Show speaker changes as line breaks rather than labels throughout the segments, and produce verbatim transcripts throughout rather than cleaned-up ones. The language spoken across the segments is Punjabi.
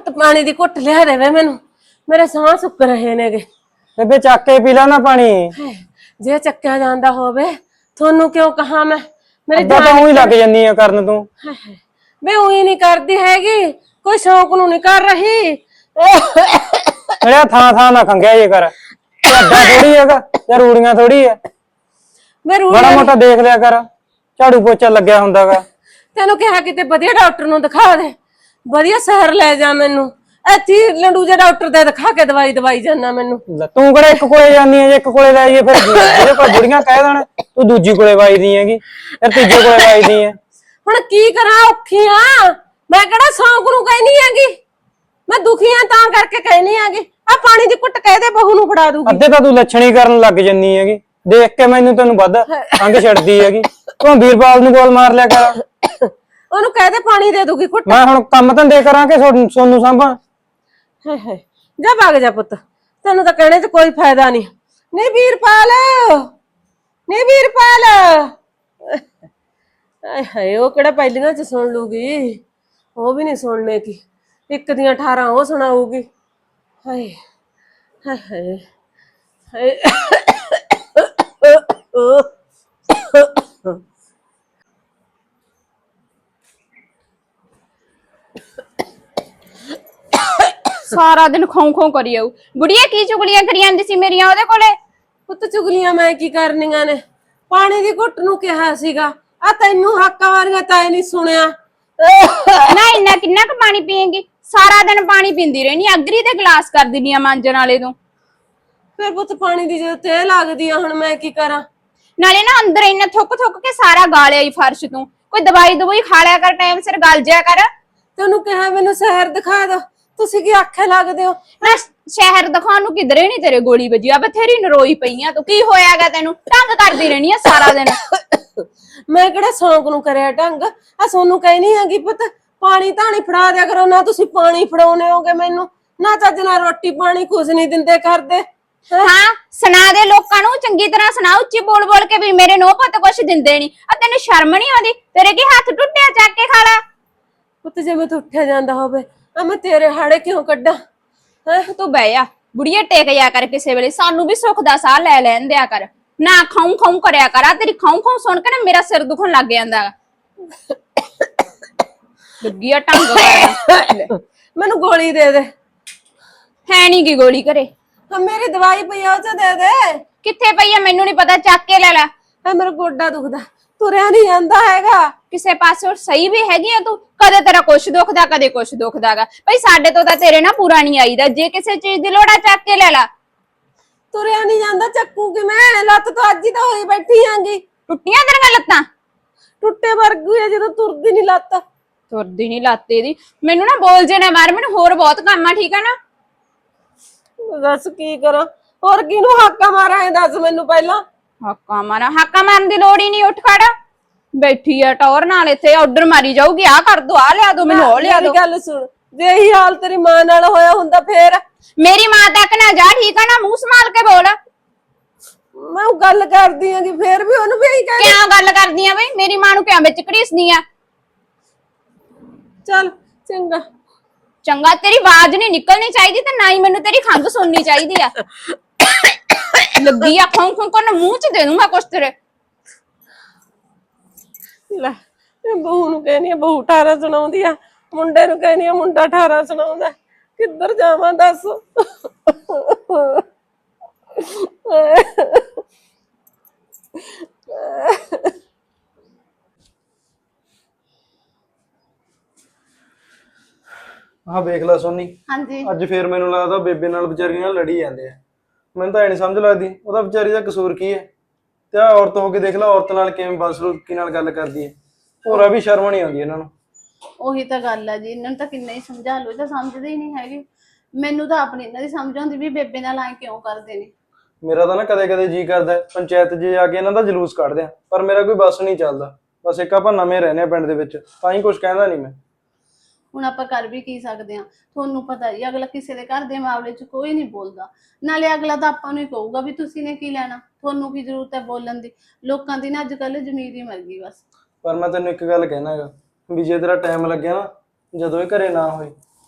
ਪੁੱਤ ਪਾਣੀ ਦੀ ਘੁੱਟ ਲਿਆ ਦੇਵੇ ਮੈਨੂੰ, ਮੇਰੇ ਸਾਹ ਸੁੱਕ ਰਹੇ ਨੇਗੇ।
ਬੇਬੇ ਚੱਕ ਕੇ ਪੀ ਲਾ ਨਾ ਪਾਣੀ।
ਜੇ ਚੱਕਿਆ ਜਾਂਦਾ ਹੋਵੇ ਤੁਹਾਨੂੰ ਕਿਉਂ ਕਹਾ ਮੈਂ, ਮੇਰੇ
ਅੱਧਾ ਤਾਂ ਉਹੀ ਲੱਗ ਜੰਨੀ ਆ ਕਰਨ ਤੂੰ।
ਮੈਂ ਉਹੀ ਨਹੀਂ ਕਰਦੀ ਹੈਗੀ, ਕੋਈ ਸ਼ੌਕ ਨੂੰ ਨਹੀਂ ਕਰ ਰਹੀ।
ਅਰੇ ਥਾਂ ਥਾਂ ਨਾ ਖੰਗਿਆ ਜੇ ਕਰ, ਅੱਡਾ ਥੋੜੀ ਹੈਗਾ ਜਾਂ ਰੂੜੀਆਂ ਥੋੜੀ ਹੈ।
ਮੈਂ
ਬੜਾ ਮੋਟਾ ਦੇਖ ਲਿਆ ਕਰ, ਝਾੜੂ ਪੋਚਾ ਲੱਗਿਆ ਹੁੰਦਾਗਾ।
ਤੈਨੂੰ ਕਿਹਾ ਕਿਤੇ ਵਧੀਆ ਡਾਕਟਰ ਨੂੰ ਦਿਖਾ ਦੇ, ਵਧੀਆ ਸ਼ਹਿਰ ਲੈ ਜਾ ਮੈਨੂੰ। ਇੱਥੇ ਲੰਡੂ ਜੇ ਡਾਕਟਰ ਦੇ ਦਿਖਾ ਕੇ ਦਵਾਈ ਦਵਾਈ ਜਾਨਾ ਮੈਨੂੰ।
ਤੂੰ ਕਿਹੜਾ ਇੱਕ ਕੋਲੇ ਜਾਨੀ ਹੈ, ਜੇ ਇੱਕ ਕੋਲੇ ਲੈ ਜਾਈਏ ਫਿਰ ਜਿਹਦੇ ਕੋਲ ਬੁੜੀਆਂ ਕਹਿ ਦੇਣ ਤੂੰ ਦੂਜੀ ਕੋਲੇ ਵਾਈਦੀ ਹੈਗੀ, ਫਿਰ ਤੀਜੇ ਕੋਲੇ ਵਾਈਦੀ ਹੈ।
ਹੁਣ ਕੀ ਕਰਾਂ, ਔਖੀ ਆ ਮੈਂ, ਕਿਹੜਾ ਸ਼ੌਂਕ ਨੂੰ ਕਹਿਨੀ ਹੈਗੀ, ਮੈਂ ਦੁਖੀ ਆ ਤਾਂ ਕਰਕੇ ਕਹਿਨੀ ਹੈਗੀ। ਆ ਪਾਣੀ ਦੀ ਘੁੱਟ ਕਹਿ ਦੇ ਬਹੂ ਨੂੰ ਫੜਾ ਦੂਗੀ।
ਅੱਧੇ ਤਾਂ ਤੂੰ ਲੱਛਣੀ ਕਰਨ ਲੱਗ ਜੰਨੀ ਹੈਗੀ, ਦੇਖ ਕੇ ਮੈਨੂੰ ਤੈਨੂੰ ਵੱਧ ਅੰਗ ਛੱਡਦੀ ਹੈਗੀ। ਤੂੰ ਵੀਰਪਾਲ ਨੂੰ ਗੋਲ ਮਾਰ ਲਿਆ ਕਰ,
ਉਹਨੂੰ ਕਹਿ ਦੇ ਪਾਣੀ ਦੇ ਦੂਗੀ ਘੁੱਟ।
ਮੈਂ ਹੁਣ ਕੰਮ ਧੰਦੇ ਕਰਾਂ ਕਿ ਸੋਨੂੰ ਸਾਂਭਾਂ?
ਹਾਏ ਹਾਏ, ਜਾ ਭਾਗ ਜਾ ਪੁੱਤ, ਤੈਨੂੰ ਤਾਂ ਕਹਿਣੇ ਚ ਕੋਈ ਫਾਇਦਾ ਨਹੀਂ। ਨਹੀਂ ਵੀਰਪਾਲ, ਨਹੀਂ ਵੀਰਪਾਲ। ਹਾਏ ਹਾਏ, ਉਹ ਕਿਹੜਾ ਪਹਿਲੀਆਂ ਚ ਸੁਣ ਲੂਗੀ, ਉਹ ਵੀ ਨਹੀਂ ਸੁਣਨੇ ਕੀ, ਇੱਕ ਦੀਆਂ ਅਠਾਰਾਂ ਉਹ ਸੁਣਾਊਗੀ। ਹਾਏ ਹਾਏ ਹਾਏ ਹਾਏ।
ਸਾਰਾ ਦਿਨ ਖੋਂ ਖੋਂ ਕਰੀ ਆਊ। ਬੁੜੀਆ ਕੀ ਚੁਗਲੀਆਂ ਕਰੀ ਜਾਂਦੀ ਸੀ ਮੇਰੀਆਂ ਉਹਦੇ ਕੋਲੇ?
ਪੁੱਤ ਚੁਗਲੀਆਂ ਮੈਂ ਕੀ ਕਰਨੀਆਂ ਨੇ, ਪਾਣੀ ਦੀ ਘੁੱਟ ਨੂੰ ਕਿਹਾ ਸੀਗਾ, ਆ ਤੈਨੂੰ ਹਾਕਾਂ ਮਾਰੀਆਂ ਤਾਂ ਨਹੀਂ ਸੁਣਿਆ।
ਨਾ ਇੰਨਾ ਕਿੰਨਾ ਕੁ ਪਾਣੀ ਪੀਏਂਗੀ? ਸਾਰਾ ਦਿਨ ਪਾਣੀ ਪੀਂਦੀ ਰਹਿਣੀ, ਅਗਰੀ ਤੇ ਗਲਾਸ ਕਰ ਦਿੰਨੀ ਆ ਮਾਂਜਣ ਵਾਲੇ ਤੋਂ।
ਫਿਰ ਪੁੱਤ ਪਾਣੀ ਦੀ ਜਦੋਂ ਤੇ ਲੱਗਦੀ ਆ, ਹੁਣ ਮੈਂ ਕੀ ਕਰਾਂ?
ਨਾਲੇ ਨਾ ਅੰਦਰ ਇੰਨਾ ਥੁੱਕ ਥੁੱਕ ਕੇ ਸਾਰਾ ਗਾਲਿਆ ਹੀ ਫਰਸ਼ ਤੂੰ। ਕੋਈ ਦਵਾਈ ਦਵਾਈ ਖਾ ਲਿਆ ਕਰ, ਟਾਈਮ ਸਿਰ ਗਲ ਜਿਆ ਕਰ।
ਤੈਨੂੰ ਕਿਹਾ ਮੈਨੂੰ ਸ਼ਹਿਰ ਦਿਖਾ ਦੋ, ਤੁਸੀਂ ਕੀ ਆਖੇ ਲੱਗਦੇ ਹੋ?
ਨਾ ਸ਼ਹਿਰ ਦਿਖਾਉਣ ਨੂੰ ਕਿਧਰੇ ਨੀ ਤੇਰੇ ਗੋਲੀ ਵੱਜੀ ਆ, ਬਥੇਰੀ ਨਰੋਈ ਪਈ ਆ ਤੂੰ। ਕੀ ਹੋਇਆਗਾ ਤੈਨੂੰ? ਢੰਗ ਕਰਦੀ ਰਹਿਣੀ ਆ ਸਾਰਾ ਦਿਨ।
ਮੈਂ ਕਿਹੜਾ ਸ਼ੌਂਕ ਨੂੰ ਕਰਿਆ ਢੰਗ, ਆ ਸੋਨੂੰ ਕਹਿਨੀ ਹੈਗੀ ਪੁੱਤ ਪਾਣੀ ਧਾਣੀ ਫੜਾ ਦਿਆ ਕਰੋ। ਨਾ ਤੁਸੀਂ ਪਾਣੀ ਫੜਾਉਨੇ ਹੋਗੇ ਮੈਨੂੰ, ਨਾ ਚੱਜ ਨਾਲ ਰੋਟੀ ਪਾਣੀ ਕੁਝ ਨਹੀਂ ਦਿੰਦੇ ਕਰਦੇ।
ਹਾਂ ਸੁਣਾ ਦੇ ਲੋਕਾਂ ਨੂੰ, ਚੰਗੀ ਤਰ੍ਹਾਂ ਸੁਣਾ, ਉੱਚੀ ਬੋਲ ਬੋਲ ਕੇ ਵੀ ਮੇਰੇ ਨੋ ਪੁੱਤ ਕੁਛ ਦਿੰਦੇ ਨੀ। ਆ ਤੈਨੂੰ ਸ਼ਰਮ ਨੀ ਆਉਂਦੀ? ਤੇਰੇ ਕੀ ਹੱਥ ਟੁੱਟਿਆ, ਚੱਕ ਕੇ ਖਾ ਲੈ।
ਪੁੱਤ ਜੇ ਮੈਂ ਉੱਠਿਆ ਜਾਂਦਾ ਹੋਵੇ ਆ ਮੈਂ ਤੇਰੇ ਹਾੜੇ ਕਿਉਂ ਕੱਢਾਂ?
ਹੈ ਤੂੰ ਬਹਿ ਜਾ ਬੁੜੀਏ, ਟੇਕ ਜਾ ਕਰ ਕਿਸੇ ਵੇਲੇ, ਸਾਨੂੰ ਵੀ ਸੁੱਖ ਦਾ ਸਾਹ ਲੈ ਲੈਣ ਦਿਆ ਕਰ। ਨਾ ਖਾਉਂ ਖਾਉਂ ਕਰਿਆ ਕਰ, ਆ ਤੇਰੀ ਖਾਉਂ ਖਾਉਂ ਸੁਣ ਕੇ ਨਾ ਮੇਰਾ ਸਿਰ ਦੁਖਣ ਲੱਗ ਜਾਂਦਾ। ਲੱਗੀ ਆ ਢੰਗ ਕਰਨਾ।
ਮੈਨੂੰ ਗੋਲੀ ਦੇ ਦੇ।
ਹੈ ਨੀ ਗੀ ਗੋਲੀ ਘਰੇ?
ਹਾਂ ਮੇਰੀ ਦਵਾਈ ਪਈ ਆ, ਉਹ ਚ ਦੇ ਦੇ।
ਕਿੱਥੇ ਪਈ ਆ ਮੈਨੂੰ ਨੀ ਪਤਾ, ਚੱਕ ਕੇ ਲੈ ਲੈ।
ਹੈ ਮੇਰਾ ਗੋਡਾ ਦੁਖਦਾ, ਤੁਰਿਆ ਨਹੀਂ ਜਾਂਦਾ ਹੈਗਾ।
ਕਿਸੇ ਪਾਸੇ ਸਹੀ ਵੀ ਹੈਗੀ ਆ ਤੂੰ? ਕਦੇ ਤੇਰਾ ਕੁਛ ਦੁਖਦਾ, ਕਦੇ ਕੁਛ ਦੁਖਦਾਗਾ। ਭਾਈ ਸਾਡੇ ਤੋਂ ਤਾਂ ਤੇਰੇ ਨਾ ਪੂਰਾ ਨਹੀਂ ਆਈਦਾ, ਜੇ ਕਿਸੇ ਚੀਜ਼ ਦੀ ਲੋੜ ਆ ਚੱਕ ਕੇ ਲੈ ਲੈ।
ਤੁਰਿਆ ਨਹੀਂ ਜਾਂਦਾ, ਚੱਕੂ ਕਿ ਮੈਂ? ਲੱਤ ਤਾਂ ਅੱਜ ਹੀ ਤਾਂ ਹੋਈ ਬੈਠੀ ਆਂਗੀ।
ਟੁੱਟੀਆਂ ਤੇਰੀਆਂ ਲੱਤਾਂ?
ਟੁੱਟੇ ਵਰਗੀ ਆ, ਜਦੋਂ ਤੁਰਦੀ ਨਹੀਂ ਲੱਤ।
ਤੁਰਦੀ ਨਹੀਂ ਲੱਤ ਇਹਦੀ। ਮੈਨੂੰ ਨਾ ਬੋਲ ਜੇ ਨਾ ਮਾਰ, ਮੈਨੂੰ ਹੋਰ ਬਹੁਤ ਕੰਮ ਆ, ਠੀਕ ਆ ਨਾ?
ਦੱਸ ਕੀ ਕਰਾਂ, ਹੋਰ ਕਿਹਨੂੰ ਹਾਕਾ ਮਾਰਾਂ? ਇਹ ਦੱਸ ਮੈਨੂੰ ਪਹਿਲਾਂ।
ਹਾਕਾ ਮਾਰਾਂ? ਹਾਕਾ ਮਾਰਨ ਦੀ ਲੋੜ ਹੀ ਨਹੀਂ, ਉੱਠ ਖੜ। ਬੈਠੀ ਆ ਟੌਰ ਨਾਲ, ਇੱਥੇ ਆਰਡਰ ਮਾਰੀ ਜਾਊਗੀ, ਆ ਕਰ ਦੋ, ਆ ਲਿਆ ਦੋ, ਮੈਨੂੰ ਉਹ ਲਿਆ ਦੋ।
ਗੱਲ ਸੁਣ, ਜੇ ਇਹੀ ਹਾਲ ਤੇਰੀ ਮਾਂ ਨਾਲ ਹੋਇਆ ਹੁੰਦਾ ਫੇਰ?
ਮੇਰੀ ਮਾਂ ਤੱਕ ਨਾ ਜਾ, ਠੀਕ ਆ ਨਾ? ਮੂੰਹ ਸੰਭਾਲ ਕੇ ਬੋਲ।
ਮੈਂ ਉਹ ਗੱਲ ਕਰਦੀ ਆਂਗੀ, ਫੇਰ ਵੀ ਉਹਨੂੰ ਵੀ ਇਹੀ ਕਹਿ।
ਕਿਉਂ ਗੱਲ ਕਰਦੀ ਆ ਬਈ? ਮੇਰੀ ਮਾਂ ਨੂੰ ਕਿਉਂ ਵਿੱਚ ਘੜੀਸਦੀ ਆ?
ਚੱਲ ਚੰਗਾ
ਚੰਗਾ, ਤੇਰੀ ਆਵਾਜ਼ ਨਹੀਂ ਨਿਕਲਣੀ ਚਾਹੀਦੀ ਤੇ ਨਾ ਹੀ ਮੈਨੂੰ ਤੇਰੀ ਖੰਘ ਸੁਣਨੀ ਚਾਹੀਦੀ ਆ। ਲੱਗੀ ਆ ਖੋਂ ਖੋਂ ਕਰਨ, ਮੂੰਹ ਚ ਦੇ ਦੂੰਗਾ ਕੁਛ ਤੇਰੇ।
ਲੈ ਇਹ ਬਹੂ ਨੂੰ ਕਹਿੰਦੀ ਆ ਬਹੂ ਅਠਾਰਾਂ ਸੁਣਾਉਂਦੀ ਆ, ਮੁੰਡੇ ਨੂੰ ਕਹਿੰਦੀ ਆ ਮੁੰਡਾ ਅਠਾਰਾਂ ਸੁਣਾਉਂਦਾ। ਕਿੱਧਰ ਜਾਵਾਂ ਦੱਸ?
ਹਾਂ ਵੇਖ ਲੈ ਸੋਨੀ,
ਹਾਂਜੀ
ਅੱਜ ਫੇਰ ਮੈਨੂੰ ਲੱਗਦਾ ਬੇਬੇ ਨਾਲ ਵਿਚਾਰੀ ਨਾਲ ਲੜੀ ਜਾਂਦੇ ਆ। ਮੈਨੂੰ ਤਾਂ ਇਹ ਨਹੀਂ ਸਮਝ ਲੱਗਦੀ ਉਹਦਾ ਵਿਚਾਰੀ ਦਾ ਕਸੂਰ ਕੀ ਹੈ। ਤੇ ਆ ਔਰਤ ਹੋ ਕੇ ਦੇਖ ਲੈ, ਔਰਤ ਨਾਲ ਕਿਵੇਂ ਬਦਸਲੂਕੀ ਨਾਲ ਗੱਲ ਕਰਦੀ ਹੈ। ਹੋਰਾਂ ਵੀ ਸ਼ਰਮ ਨਹੀਂ ਆਉਂਦੀ ਇਹਨਾਂ ਨੂੰ।
ਉਹੀ ਤਾਂ ਗੱਲ ਆ ਜੀ, ਇਹਨਾਂ ਨੂੰ ਤਾਂ ਕਿੰਨਾ ਹੀ ਸਮਝਾ ਲਓ, ਇਹ ਤਾਂ ਸਮਝਦੇ ਹੀ ਨਹੀਂ ਹੈਗੇ। ਮੈਨੂੰ ਤਾਂ ਆਪਣੀ ਇਹਨਾਂ ਦੀ ਸਮਝ ਆਉਂਦੀ ਵੀ ਬੇਬੇ ਨਾਲ ਐ ਕਿਉਂ ਕਰਦੇ ਨੇ।
ਮੇਰਾ ਤਾਂ ਨਾ ਕਦੇ ਕਦੇ ਜੀ ਕਰਦਾ ਪੰਚਾਇਤ 'ਚ ਜਾ ਕੇ ਇਹਨਾਂ ਦਾ ਜਲੂਸ ਕੱਢਦੇ ਆ, ਪਰ ਮੇਰਾ ਕੋਈ ਬੱਸ ਨਹੀਂ ਚੱਲਦਾ। ਬਸ ਇੱਕ ਆਪਾਂ ਨਵੇਂ ਰਹਿੰਦੇ ਆ ਪਿੰਡ ਦੇ ਵਿੱਚ, ਤਾਂ ਹੀ ਕੁਝ ਕਹਿੰਦਾ ਨਹੀਂ ਮੈਂ।
ਹੁਣ ਆਪਾਂ ਕਰ ਵੀ ਕੀ ਸਕਦੇ ਆ? ਤੁਹਾਨੂੰ ਪਤਾ ਹੀ ਅਗਲਾ ਕਿਸੇ ਦੇ ਘਰ ਦੇ ਮਾਮਲੇ 'ਚ ਕੋਈ ਨਹੀਂ ਬੋਲਦਾ। ਨਾਲੇ ਅਗਲਾ ਤਾਂ ਆਪਾਂ ਨੂੰ ਹੀ ਕਹੂਗਾ ਵੀ ਤੁਸੀਂ ਨੇ ਕੀ ਲੈਣਾ, ਤੁਹਾਨੂੰ ਕੀ ਜ਼ਰੂਰਤ ਹੈ ਬੋਲਣ ਦੀ। ਲੋਕਾਂ ਦੀ ਨਾ ਅੱਜ ਕੱਲ੍ਹ ਜ਼ਮੀਰ ਹੀ ਮਰ ਗਈ ਬਸ।
ਪਰ ਮੈਂ ਤੈਨੂੰ ਇੱਕ ਗੱਲ ਕਹਿਣਾ ਹੈਗਾ ਵੀ ਜੇ ਤੇਰਾ ਟਾਈਮ ਲੱਗਿਆ ਨਾ, ਜਦੋਂ ਇਹ ਘਰੇ ਨਾ ਹੋਏ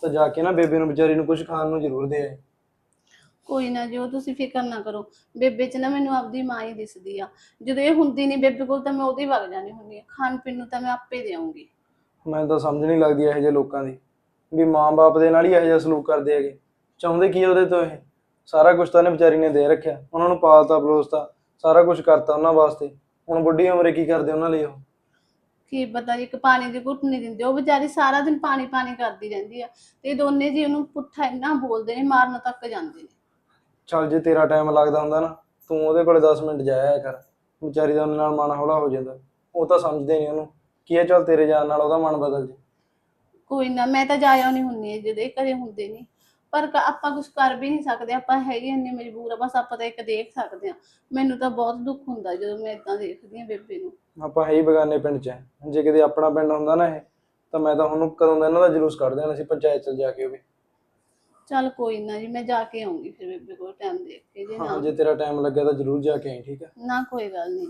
ਤਾਂ ਜਾ ਕੇ ਨਾ ਬੇਬੇ ਨੂੰ ਵਿਚਾਰੀ ਨੂੰ ਕੁਝ ਖਾਣ ਨੂੰ ਜ਼ਰੂਰ ਦੇ ਆਏ।
ਕੋਈ ਨਾ ਜੀ, ਉਹ ਤੁਸੀਂ ਫਿਕਰ ਨਾ ਕਰੋ। ਬੇਬੇ 'ਚ ਨਾ ਮੈਨੂੰ ਆਪਦੀ ਮਾਂ ਹੀ ਦਿਸਦੀ ਆ। ਜਦੋਂ ਇਹ ਹੁੰਦੀ ਨਹੀਂ ਬੇਬੇ ਕੋਲ ਤਾਂ ਮੈਂ ਉਹਦੀ ਵਗ ਜਾਣੀ ਹੁੰਦੀ ਆ। ਖਾਣ ਪੀਣ ਨੂੰ ਤਾਂ ਮੈਂ ਆਪੇ ਦੇਵਾਂਗੀ।
ਮੈਨੂੰ ਤਾਂ ਸਮਝ ਨਹੀਂ ਲੱਗਦੀ ਇਹੋ ਜਿਹੇ ਲੋਕਾਂ ਦੀ, ਵੀ ਮਾਂ-ਬਾਪ ਦੇ ਨਾਲ ਹੀ ਇਹੋ ਜਿਹਾ ਸਲੂਕ ਕਰਦੇ ਹੈਗੇ। ਚਾਹੁੰਦੇ ਕੀ ਆ ਉਹਦੇ ਤੋਂ? ਇਹ ਸਾਰਾ ਕੁਝ ਤਾਂ ਉਹਨੇ ਵਿਚਾਰੀ ਨੇ ਦੇ ਰੱਖਿਆ, ਉਹਨਾਂ ਨੂੰ ਪਾਲਤਾ ਪਲੋਸਤਾ, ਸਾਰਾ ਕੁਝ ਕਰਤਾ ਉਹਨਾਂ ਵਾਸਤੇ। ਹੁਣ ਬੁੱਢੀ ਉਮਰੇ ਕੀ ਕਰਦੇ ਉਹਨਾਂ ਲਈ ਉਹ?
ਕੀ ਪਤਾ ਜੀ, ਇੱਕ ਪਾਣੀ ਦੀ ਘੁੱਟ ਨਹੀਂ ਦਿੰਦੇ। ਉਹ ਵਿਚਾਰੀ ਸਾਰਾ ਦਿਨ ਪਾਣੀ ਪਾਣੀ ਕਰਦੀ ਰਹਿੰਦੀ ਆ ਤੇ ਇਹ ਦੋਨੇ ਜੀ ਉਹਨੂੰ ਪੁੱਠਾ ਇੰਨਾ ਬੋਲਦੇ ਨੇ, ਮਾਰਨ ਤੱਕ ਜਾਂਦੇ ਨੇ।
ਚੱਲ ਜੇ ਤੇਰਾ ਟਾਈਮ ਲੱਗਦਾ ਹੁੰਦਾ ਨਾ, ਤੂੰ ਉਹਦੇ ਕੋਲੇ ਦਸ ਮਿੰਟ ਜਾਇਆ ਕਰ, ਵਿਚਾਰੀ ਦਾ ਉਹਦੇ ਨਾਲ ਮਨ ਹੌਲਾ ਹੋ ਜਾਂਦਾ। ਉਹ ਤਾਂ ਸਮਝਦੇ ਨਹੀਂ ਉਹਨੂੰ ਕੀ ਹੈ, ਚੱਲ ਤੇਰੇ ਜਾਣ ਨਾਲ ਉਹਦਾ ਮਨ ਬਦਲ ਜੇ।
ਕੋਈ ਨਾ, ਮੈਂ ਤਾਂ ਜਾਇਆ ਨਹੀਂ ਹੁੰਦੀ ਜਦੋਂ ਇਹ ਘਰੇ ਹੁੰਦੇ ਨਹੀਂ, ਪਰ ਕ- ਆਪਾਂ ਕੁਝ ਕਰ ਵੀ ਨਹੀਂ ਸਕਦੇ। ਆਪਾਂ ਹੈਗੇ ਇੰਨੇ ਮਜਬੂਰ ਆ, ਬਸ ਆਪਾਂ ਤਾਂ ਇੱਕ ਦੇਖ ਸਕਦੇ ਆ। ਮੈਨੂੰ ਤਾਂ ਬਹੁਤ ਦੁੱਖ ਹੁੰਦਾ ਜਦੋਂ ਮੈਂ ਇਦਾਂ ਦੇਖਦੀ ਆ ਬੇਬੇ ਨੂੰ।
ਆਪਾਂ ਹੈ ਹੀ ਬਗਾਨੇ ਪਿੰਡ 'ਚ, ਜੇ ਕਿਤੇ ਆਪਣਾ ਪਿੰਡ ਹੁੰਦਾ ਨਾ ਇਹ, ਤਾਂ ਮੈਂ ਤਾਂ ਹੁਣ ਕਦੋਂ ਦਾ ਇਹਨਾਂ ਦਾ ਜਲੂਸ ਕੱਢ ਦੇਣਾ ਸੀ ਪੰਚਾਇਤ 'ਚ ਜਾ ਕੇ। ਉਹ ਵੀ
ਚੱਲ ਕੋਈ ਨਾ ਜੀ, ਮੈਂ ਜਾ ਕੇ ਆਉਂਗੀ ਫਿਰ ਬੇਬੇ ਕੋਲ ਟਾਈਮ ਦੇਖ ਕੇ। ਜੇ
ਹਾਂ,
ਨਾ
ਜੇ ਤੇਰਾ ਟਾਈਮ ਲੱਗਿਆ ਤਾਂ ਜ਼ਰੂਰ ਜਾ ਕੇ ਆਈ, ਠੀਕ ਹੈ?
ਨਾ ਕੋਈ ਗੱਲ ਨਹੀਂ।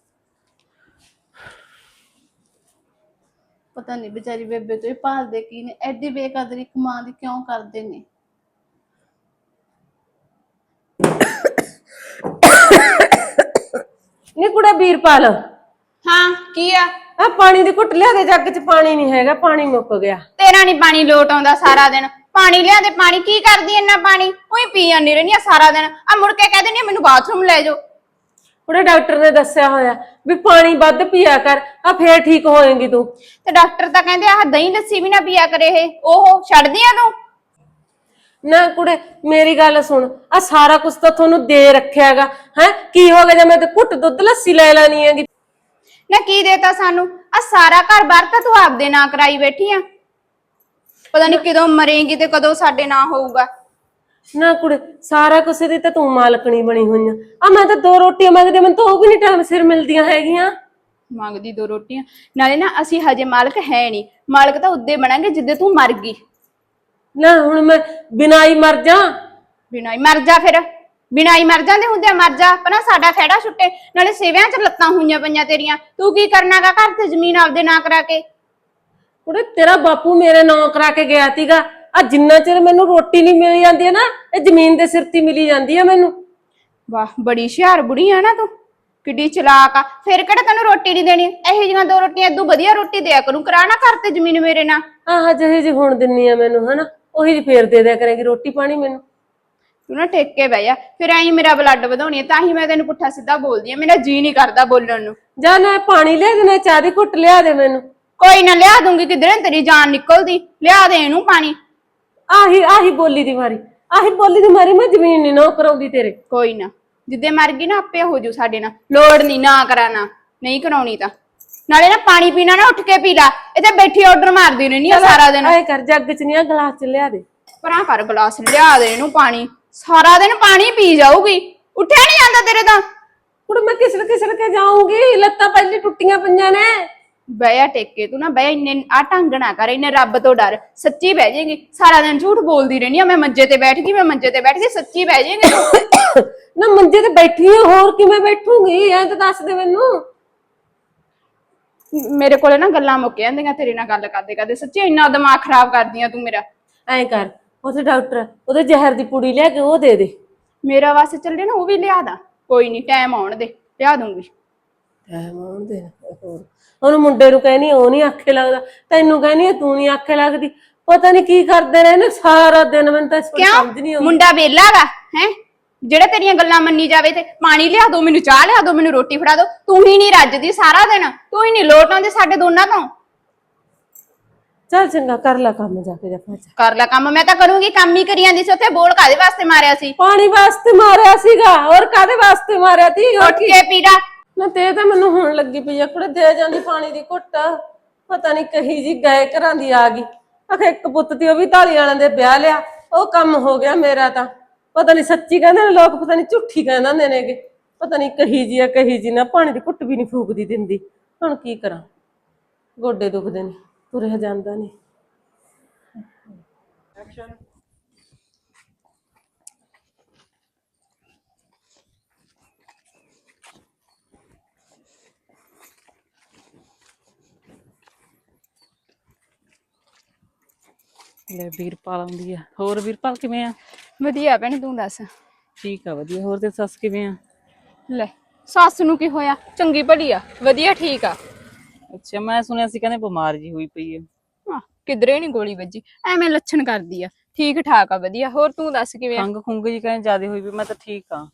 ਪਤਾ ਨਹੀਂ ਵਿਚਾਰੀ ਬੇਬੇ ਤੋਂ ਇਹ ਭਾਲਦੇ ਕੀ ਨੇ, ਐਡੀ ਬੇਕਦਰੀ ਇੱਕ ਮਾਂ ਦੀ ਕਿਉਂ ਕਰਦੇ ਨੇ।
ਨੀ ਕੁੜੇ ਵੀਰਪਾਲ,
ਹਾਂ ਕੀ ਆ?
ਆ ਪਾਣੀ ਦੀ ਘੁੱਟ ਲਿਆ ਦੇ, ਜੱਗ 'ਚ ਪਾਣੀ ਨਹੀਂ ਹੈਗਾ, ਪਾਣੀ ਮੁੱਕ ਗਿਆ।
ਤੇਰਾ ਨਹੀਂ ਪਾਣੀ ਲੋਟ ਆਉਂਦਾ ਸਾਰਾ ਦਿਨ। ਪਾਣੀ ਲਿਆ ਦੇ, ਪਾਣੀ ਕੀ ਕਰਦੀ ਇੰਨਾ ਪਾਣੀ? ਉਹੀ ਪੀ ਜਾਂਦੀ ਰਹਿੰਦੀ ਆ ਸਾਰਾ ਦਿਨ। ਆ ਮੁੜ ਕੇ ਕਹਿ ਦਿੰਦੀ ਆ ਮੈਨੂੰ ਬਾਥਰੂਮ ਲੈ ਜਾਓ।
ਕੁੜੇ ਡਾਕਟਰ ਨੇ ਦੱਸਿਆ ਹੋਇਆ ਵੀ ਪਾਣੀ ਵੱਧ ਪੀਆ ਕਰ, ਆ ਫੇਰ ਠੀਕ ਹੋਏਗੀ ਤੂੰ।
ਤੇ ਡਾਕਟਰ ਤਾਂ ਕਹਿੰਦੇ ਆਹ ਦਹੀਂ ਲੱਸੀ ਵੀ ਨਾ ਪੀਆ ਕਰੇ, ਇਹ ਉਹ ਛੱਡਦੀ ਆ ਤੂੰ।
ਨਾ ਕੁੜੇ ਮੇਰੀ ਗੱਲ ਸੁਣ, ਆ ਸਾਰਾ ਕੁਝ ਤਾਂ ਤੁਹਾਨੂੰ ਦੇ ਰੱਖਿਆਗਾ ਹੈ। ਕੀ ਹੋ ਗਿਆ ਜੇ ਮੈਂ ਤੇ ਘੁੱਟ ਦੁੱਧ ਲੱਸੀ ਲੈ ਲੈਣੀ ਹੈਗੀ?
ਨਾ ਕੀ ਦੇਤਾ ਸਾਨੂੰ? ਆ ਸਾਰਾ ਘਰ ਬਾਹਰ ਤਾਂ ਤੂੰ ਆਪਦੇ ਨਾਂ ਕਰਾਈ ਬੈਠੀ ਆ। ਪਤਾ ਨਹੀਂ ਕਦੋਂ ਮਰੇਂਗੀ ਤੇ ਕਦੋਂ ਸਾਡੇ ਨਾਂ ਹੋਊਗਾ।
ਨਾ ਕੁੜੇ ਸਾਰਾ ਕੁਝ ਦੀ ਤਾਂ ਤੂੰ ਮਾਲਕਣੀ ਬਣੀ ਹੋਈ ਆ। ਆ ਮੈਂ ਤਾਂ ਦੋ ਰੋਟੀਆਂ ਮੰਗਦੇ, ਮੈਨੂੰ ਤਾਂ ਉਹ ਵੀ ਨਹੀਂ ਟਾਈਮ ਸਿਰ ਮਿਲਦੀਆਂ ਹੈਗੀਆਂ।
ਮੰਗਦੀ ਦੋ ਰੋਟੀਆਂ ਨਾਲੇ ਨਾ, ਅਸੀਂ ਹਜੇ ਮਾਲਕ ਹੈ ਨਹੀਂ। ਮਾਲਕ ਤਾਂ ਉਦੇ ਬਣਾਂਗੇ ਜਿੱਦੇ ਤੂੰ ਮਰ ਗਈ।
ਨਾ ਹੁਣ ਮੈਂ ਬਿਨਾਂ ਹੀ ਮਰ ਜਾ?
ਬਿਨਾਂ ਹੀ ਮਰ ਜਾ ਫਿਰ। ਬਿਨਾਂ ਹੀ ਮਰ ਜਾਂਦੇ ਹੁੰਦੇ ਆ, ਮਰ ਜਾ ਪਨਾ, ਸਾਡਾ ਖਹਿੜਾ ਛੁੱਟੇ। ਨਾਲੇ ਸੇਵਿਆਂ 'ਚ ਲੱਤਾਂ ਹੋਈਆਂ ਪਈਆਂ ਤੇਰੀਆਂ। ਤੂੰ ਕੀ ਕਰਨਾਗਾ ਘਰ ਤੇ ਜ਼ਮੀਨ ਆਪਦੇ ਨਾਂ ਕਰਾ ਕੇ?
ਕੁੜੇ ਤੇਰਾ ਬਾਪੂ ਮੇਰੇ ਨਾਂ ਕਰਾ ਕੇ ਗਿਆ ਸੀਗਾ। ਆ ਜਿੰਨਾ ਚਿਰ ਮੈਨੂੰ ਰੋਟੀ ਨਹੀਂ ਮਿਲ ਜਾਂਦੀ ਹੈ ਨਾ, ਇਹ ਜ਼ਮੀਨ ਦੇ ਸਿਰ ਤੇ ਮਿਲੀ ਜਾਂਦੀ ਆ ਮੈਨੂੰ।
ਵਾਹ ਬੜੀ ਹੁਸ਼ਿਆਰ ਬੁੜੀ ਆ ਨਾ ਤੂੰ, ਕਿੱਡੀ ਚਲਾਕ ਆ। ਫਿਰ ਕਿਹੜਾ ਤੈਨੂੰ ਰੋਟੀ ਨਹੀਂ ਦੇਣੀ? ਇਹੋ ਜਿਹੀਆਂ ਦੋ ਰੋਟੀਆਂ ਏਦੂ ਵਧੀਆ ਰੋਟੀ ਦਿਆ ਕਰੂੰ। ਕਰਾ ਨਾ ਘਰ ਤੇ ਜ਼ਮੀਨ ਮੇਰੇ ਨਾਲ।
ਆਹ ਜਿਹੀ ਜੀ ਹੁਣ ਦਿੰਨੀ ਆ ਮੈਨੂੰ ਹਨਾ, ਉਹੀ ਜੀ ਫੇਰ ਦੇ ਦਿਆ ਕਰੇਗੀ ਰੋਟੀ ਪਾਣੀ ਮੈਨੂੰ।
ਤੂੰ ਨਾ ਟੇਕ ਕੇ ਬਹਿ ਜਾ, ਫਿਰ ਐਂ ਮੇਰਾ ਬਲੱਡ ਵਧਾਉਣੀ ਆ। ਤਾਂ ਹੀ ਮੈਂ ਤੈਨੂੰ ਪੁੱਠਾ ਸਿੱਧਾ ਬੋਲਦੀ ਆ, ਮੇਰਾ ਜੀ ਨਹੀਂ ਕਰਦਾ ਬੋਲਣ ਨੂੰ।
ਜਾ ਨਾ ਪਾਣੀ ਲਿਆ ਦੇ, ਨਾ ਚਾਹ ਦੀ ਘੁੱਟ ਲਿਆ ਦੇ ਮੈਨੂੰ।
ਕੋਈ ਨਾ ਲਿਆ ਦੂੰਗੀ, ਕਿਧਰੇ ਤੇਰੀ ਜਾਨ ਨਿਕਲਦੀ। ਲਿਆ ਦੇ ਇਹਨੂੰ ਪਾਣੀ।
ਆਹੀ ਆਹੀ ਬੋਲੀ ਦੀ ਮਾਰੀ, ਆਹੀ ਬੋਲੀ ਦੀ ਮਾਰੀ ਮੈਂ ਜ਼ਮੀਨ ਨਹੀਂ ਨਾ ਕਰਾਉਂਦੀ ਤੇਰੇ।
ਕੋਈ ਨਾ, ਜਿੱਦੇ ਮਰ ਗਈ ਨਾ ਆਪੇ ਹੋ ਜੂ ਸਾਡੇ ਨਾਲ। ਲੋੜ ਨਹੀਂ ਨਾ ਕਰਾਣਾ, ਨਹੀਂ ਕਰਾਉਣੀ ਤਾਂ। ਨਾਲੇ ਨਾ ਪਾਣੀ ਪੀਣਾ ਨਾ ਉੱਠ ਕੇ ਪੀ ਲਾ। ਇੱਥੇ ਬੈਠੀ ਆਰਡਰ ਮਾਰਦੀ ਰਹਿੰਦੀ ਆ ਸਾਰਾ ਦਿਨ।
ਐ ਕਰ ਜੱਗ 'ਚ ਨਹੀਂ ਆ ਗਲਾਸ 'ਚ ਲਿਆ ਦੇ।
ਪਰਾਂ ਕਰ ਗਲਾਸ, ਲਿਆ ਦੇ ਇਹਨੂੰ ਪਾਣੀ। ਸਾਰਾ ਦਿਨ ਪਾਣੀ ਪੀ ਜਾਊਗੀ, ਉੱਠਿਆ ਨਹੀਂ ਜਾਂਦਾ ਤੇਰੇ ਤਾਂ।
ਕੁੜੇ ਮੈਂ ਕਿਸਰ ਕਿਸਰ ਕੇ ਜਾਊਂਗੀ, ਲੱਤਾਂ ਪਹਿਲੇ ਟੁੱਟੀਆਂ ਪਈਆਂ ਨੇ।
ਬਹਿ ਟੇਕੇ ਤੂੰ ਨਾ ਬਹਿ, ਇੰਨੇ ਆ ਢੰਗ ਨਾ ਕਰ, ਇੰਨੇ ਰੱਬ ਤੋਂ ਡਰ। ਸੱਚੀ ਬਹਿ ਜਾਏਗੀ। ਸਾਰਾ ਦਿਨ ਝੂਠ ਬੋਲਦੀ ਰਹਿੰਦੀ ਆ, ਮੈਂ ਮੰਜੇ ਤੇ ਬੈਠ ਗਈ, ਮੈਂ ਮੰਜੇ ਤੇ ਬੈਠ ਗਈ। ਸੱਚੀ ਬਹਿ ਜਾਏਗੀ ਤੂੰ।
ਨਾ ਮੰਜੇ ਤੇ ਬੈਠੀ ਆ, ਹੋਰ ਕਿਵੇਂ ਬੈਠੂਗੀ? ਐ ਤਾਂ ਦੱਸ ਦੇ ਮੈਨੂੰ।
ਮੇਰੇ ਕੋਲੇ ਨਾ ਗੱਲਾਂ ਮੁੱਕ ਜਾਂਦੀਆਂ ਤੇਰੇ ਨਾਲ ਗੱਲ ਕਰਦੇ ਕਰਦੇ। ਸੱਚੀ ਇੰਨਾ ਦਿਮਾਗ ਖਰਾਬ ਕਰਦੀ ਆ ਤੂੰ ਮੇਰਾ।
ਐ ਕਰ, ਉੱਥੇ ਡਾਕਟਰ ਉਹਦੇ ਜ਼ਹਿਰ ਦੀ ਪੁੜੀ ਲਿਆ ਕੇ ਉਹ ਦੇ ਦੇ।
ਮੇਰਾ ਵਾਸਤੇ ਚੱਲੇ ਨਾ, ਉਹ ਵੀ ਲਿਆ ਦਾ। ਕੋਈ ਨਹੀਂ, ਟਾਈਮ ਆਉਣ ਦੇ, ਲਿਆ ਦੂੰਗੀ।
ਟਾਈਮ ਆਉਣ ਦੇ। ਹੋਰ ਉਹਨੂੰ ਮੁੰਡੇ ਨੂੰ ਕਹਿਨੀ ਉਹ ਨਹੀਂ ਆਖੇ ਲੱਗਦਾ, ਤੈਨੂੰ ਕਹਿਨੀ ਤੂੰ ਨਹੀਂ ਆਖੇ ਲੱਗਦੀ। ਪਤਾ ਨਹੀਂ ਕੀ ਕਰਦੇ ਰਹੇ ਨੇ ਸਾਰਾ ਦਿਨ, ਮੈਨੂੰ ਤਾਂ ਸਮਝ ਨਹੀਂ ਆਉਂਦੀ।
ਮੁੰਡਾ ਵੇਲਾ ਗਾ ਹੈ ਜਿਹੜਾ ਤੇਰੀਆਂ ਗੱਲਾਂ ਮੰਨੀ ਜਾਵੇ। ਤੇ ਪਾਣੀ ਲਿਆ ਦੋ ਮੈਨੂੰ, ਚਾਹ ਲਿਆ ਦੋ ਮੈਨੂੰ, ਰੋਟੀ ਫੜਾ ਦੋ। ਤੂੰ ਹੀ ਨਹੀਂ ਰੱਜਦੀ ਸਾਰਾ ਦਿਨ, ਤੂੰ ਹੀ ਨਹੀਂ ਲੋਟ ਆਉਂਦੀ ਸਾਡੇ ਦੋਨਾਂ ਤੋਂ।
ਚੱਲ ਚੰਗਾ, ਕਰ ਲੈ ਕੰਮ ਜਾ ਕੇ। ਜਾ
ਕਰ ਲੈ ਕੰਮ, ਮੈਂ ਤਾਂ ਕਰੂੰਗੀ। ਕੰਮ ਹੀ ਕਰੀ ਜਾਂਦੀ ਸੀ ਉੱਥੇ। ਬੋਲ ਕਾਦੇ ਵਾਸਤੇ ਮਾਰਿਆ ਸੀ?
ਪਾਣੀ ਵਾਸਤੇ ਮਾਰਿਆ ਸੀਗਾ, ਹੋਰ ਕਾਦੇ ਵਾਸਤੇ ਮਾਰਿਆ ਤੀ?
ਉੱਠ ਕੇ ਪੀੜਾ
ਨਾ ਤੇ ਤਾਂ ਮੈਨੂੰ ਹੁਣ ਲੱਗੀ ਪਈ ਆ ਕੁੜੇ, ਦੇ ਜਾਂਦੀ ਪਾਣੀ ਦੀ ਘੁੱਟ। ਪਤਾ ਨਹੀਂ ਕਹੀ ਜੀ ਗਏ ਘਰਾਂ ਦੀ ਆ ਗਈ। ਆਖੇ ਇੱਕ ਪੁੱਤ ਤੀ, ਉਹ ਵੀ ਢਾਲੀ ਵਾਲਿਆਂ ਦੇ ਵਿਆਹ ਲਿਆ, ਉਹ ਕੰਮ ਹੋ ਗਿਆ ਮੇਰਾ ਤਾਂ। ਪਤਾ ਨਹੀਂ ਸੱਚੀ ਕਹਿੰਦੇ ਨੇ ਲੋਕ, ਪਤਾ ਨਹੀਂ ਝੂਠੀ ਕਹਿੰਦੇ ਹੁੰਦੇ ਨੇਗੇ। ਪਤਾ ਨਹੀਂ ਕਹੀ ਜੀ ਆ ਕਹੀ ਜੀ ਨਾ, ਪਾਣੀ ਦੀ ਘੁੱਟ ਵੀ ਨਹੀਂ ਫੂਕਦੀ ਦਿੰਦੀ। ਹੁਣ ਕੀ ਕਰਾਂ, ਗੋਡੇ ਦੁਖਦੇ ਨੇ, ਤੁਰਿਆ ਜਾਂਦਾ ਨਹੀਂ।
ਲੈ ਵੀਰਪਾਲ ਆਉਂਦੀ ਆ। ਹੋਰ ਵੀਰਪਾਲ ਕਿਵੇਂ ਆ?
ਵਧੀਆ ਭੈਣੇ ਤੂੰ ਦੱਸ।
ਠੀਕ ਆ ਵਧੀਆ। ਹੋਰ ਤੇ ਸੱਸ ਕਿਵੇਂ ਆ?
ਲੈ ਸੱਸ ਨੂੰ ਕੀ ਹੋਇਆ, ਚੰਗੀ ਭਲੀ ਆ, ਵਧੀਆ ਠੀਕ ਆ।
ਅੱਛਾ, ਮੈਂ ਸੁਣਿਆ ਸੀ ਕਹਿੰਦੇ ਬਿਮਾਰ ਜੀ ਹੋਈ ਪਈ ਆ।
ਆਹ, ਕਿਧਰੇ ਨੀ ਗੋਲੀ ਵੱਜੀ, ਐਵੇਂ ਲੱਛਣ ਕਰਦੀ ਆ। ਠੀਕ ਠਾਕ ਆ ਵਧੀਆ। ਹੋਰ ਤੂੰ ਦੱਸ ਕਿਵੇਂ ਆ?
ਖੰਗ ਖੁੰਗ ਜੀ ਕਹਿੰਦੇ ਜ਼ਿਆਦਾ ਹੋਈ ਪਈ। ਮੈਂ ਤਾਂ ਠੀਕ ਆ।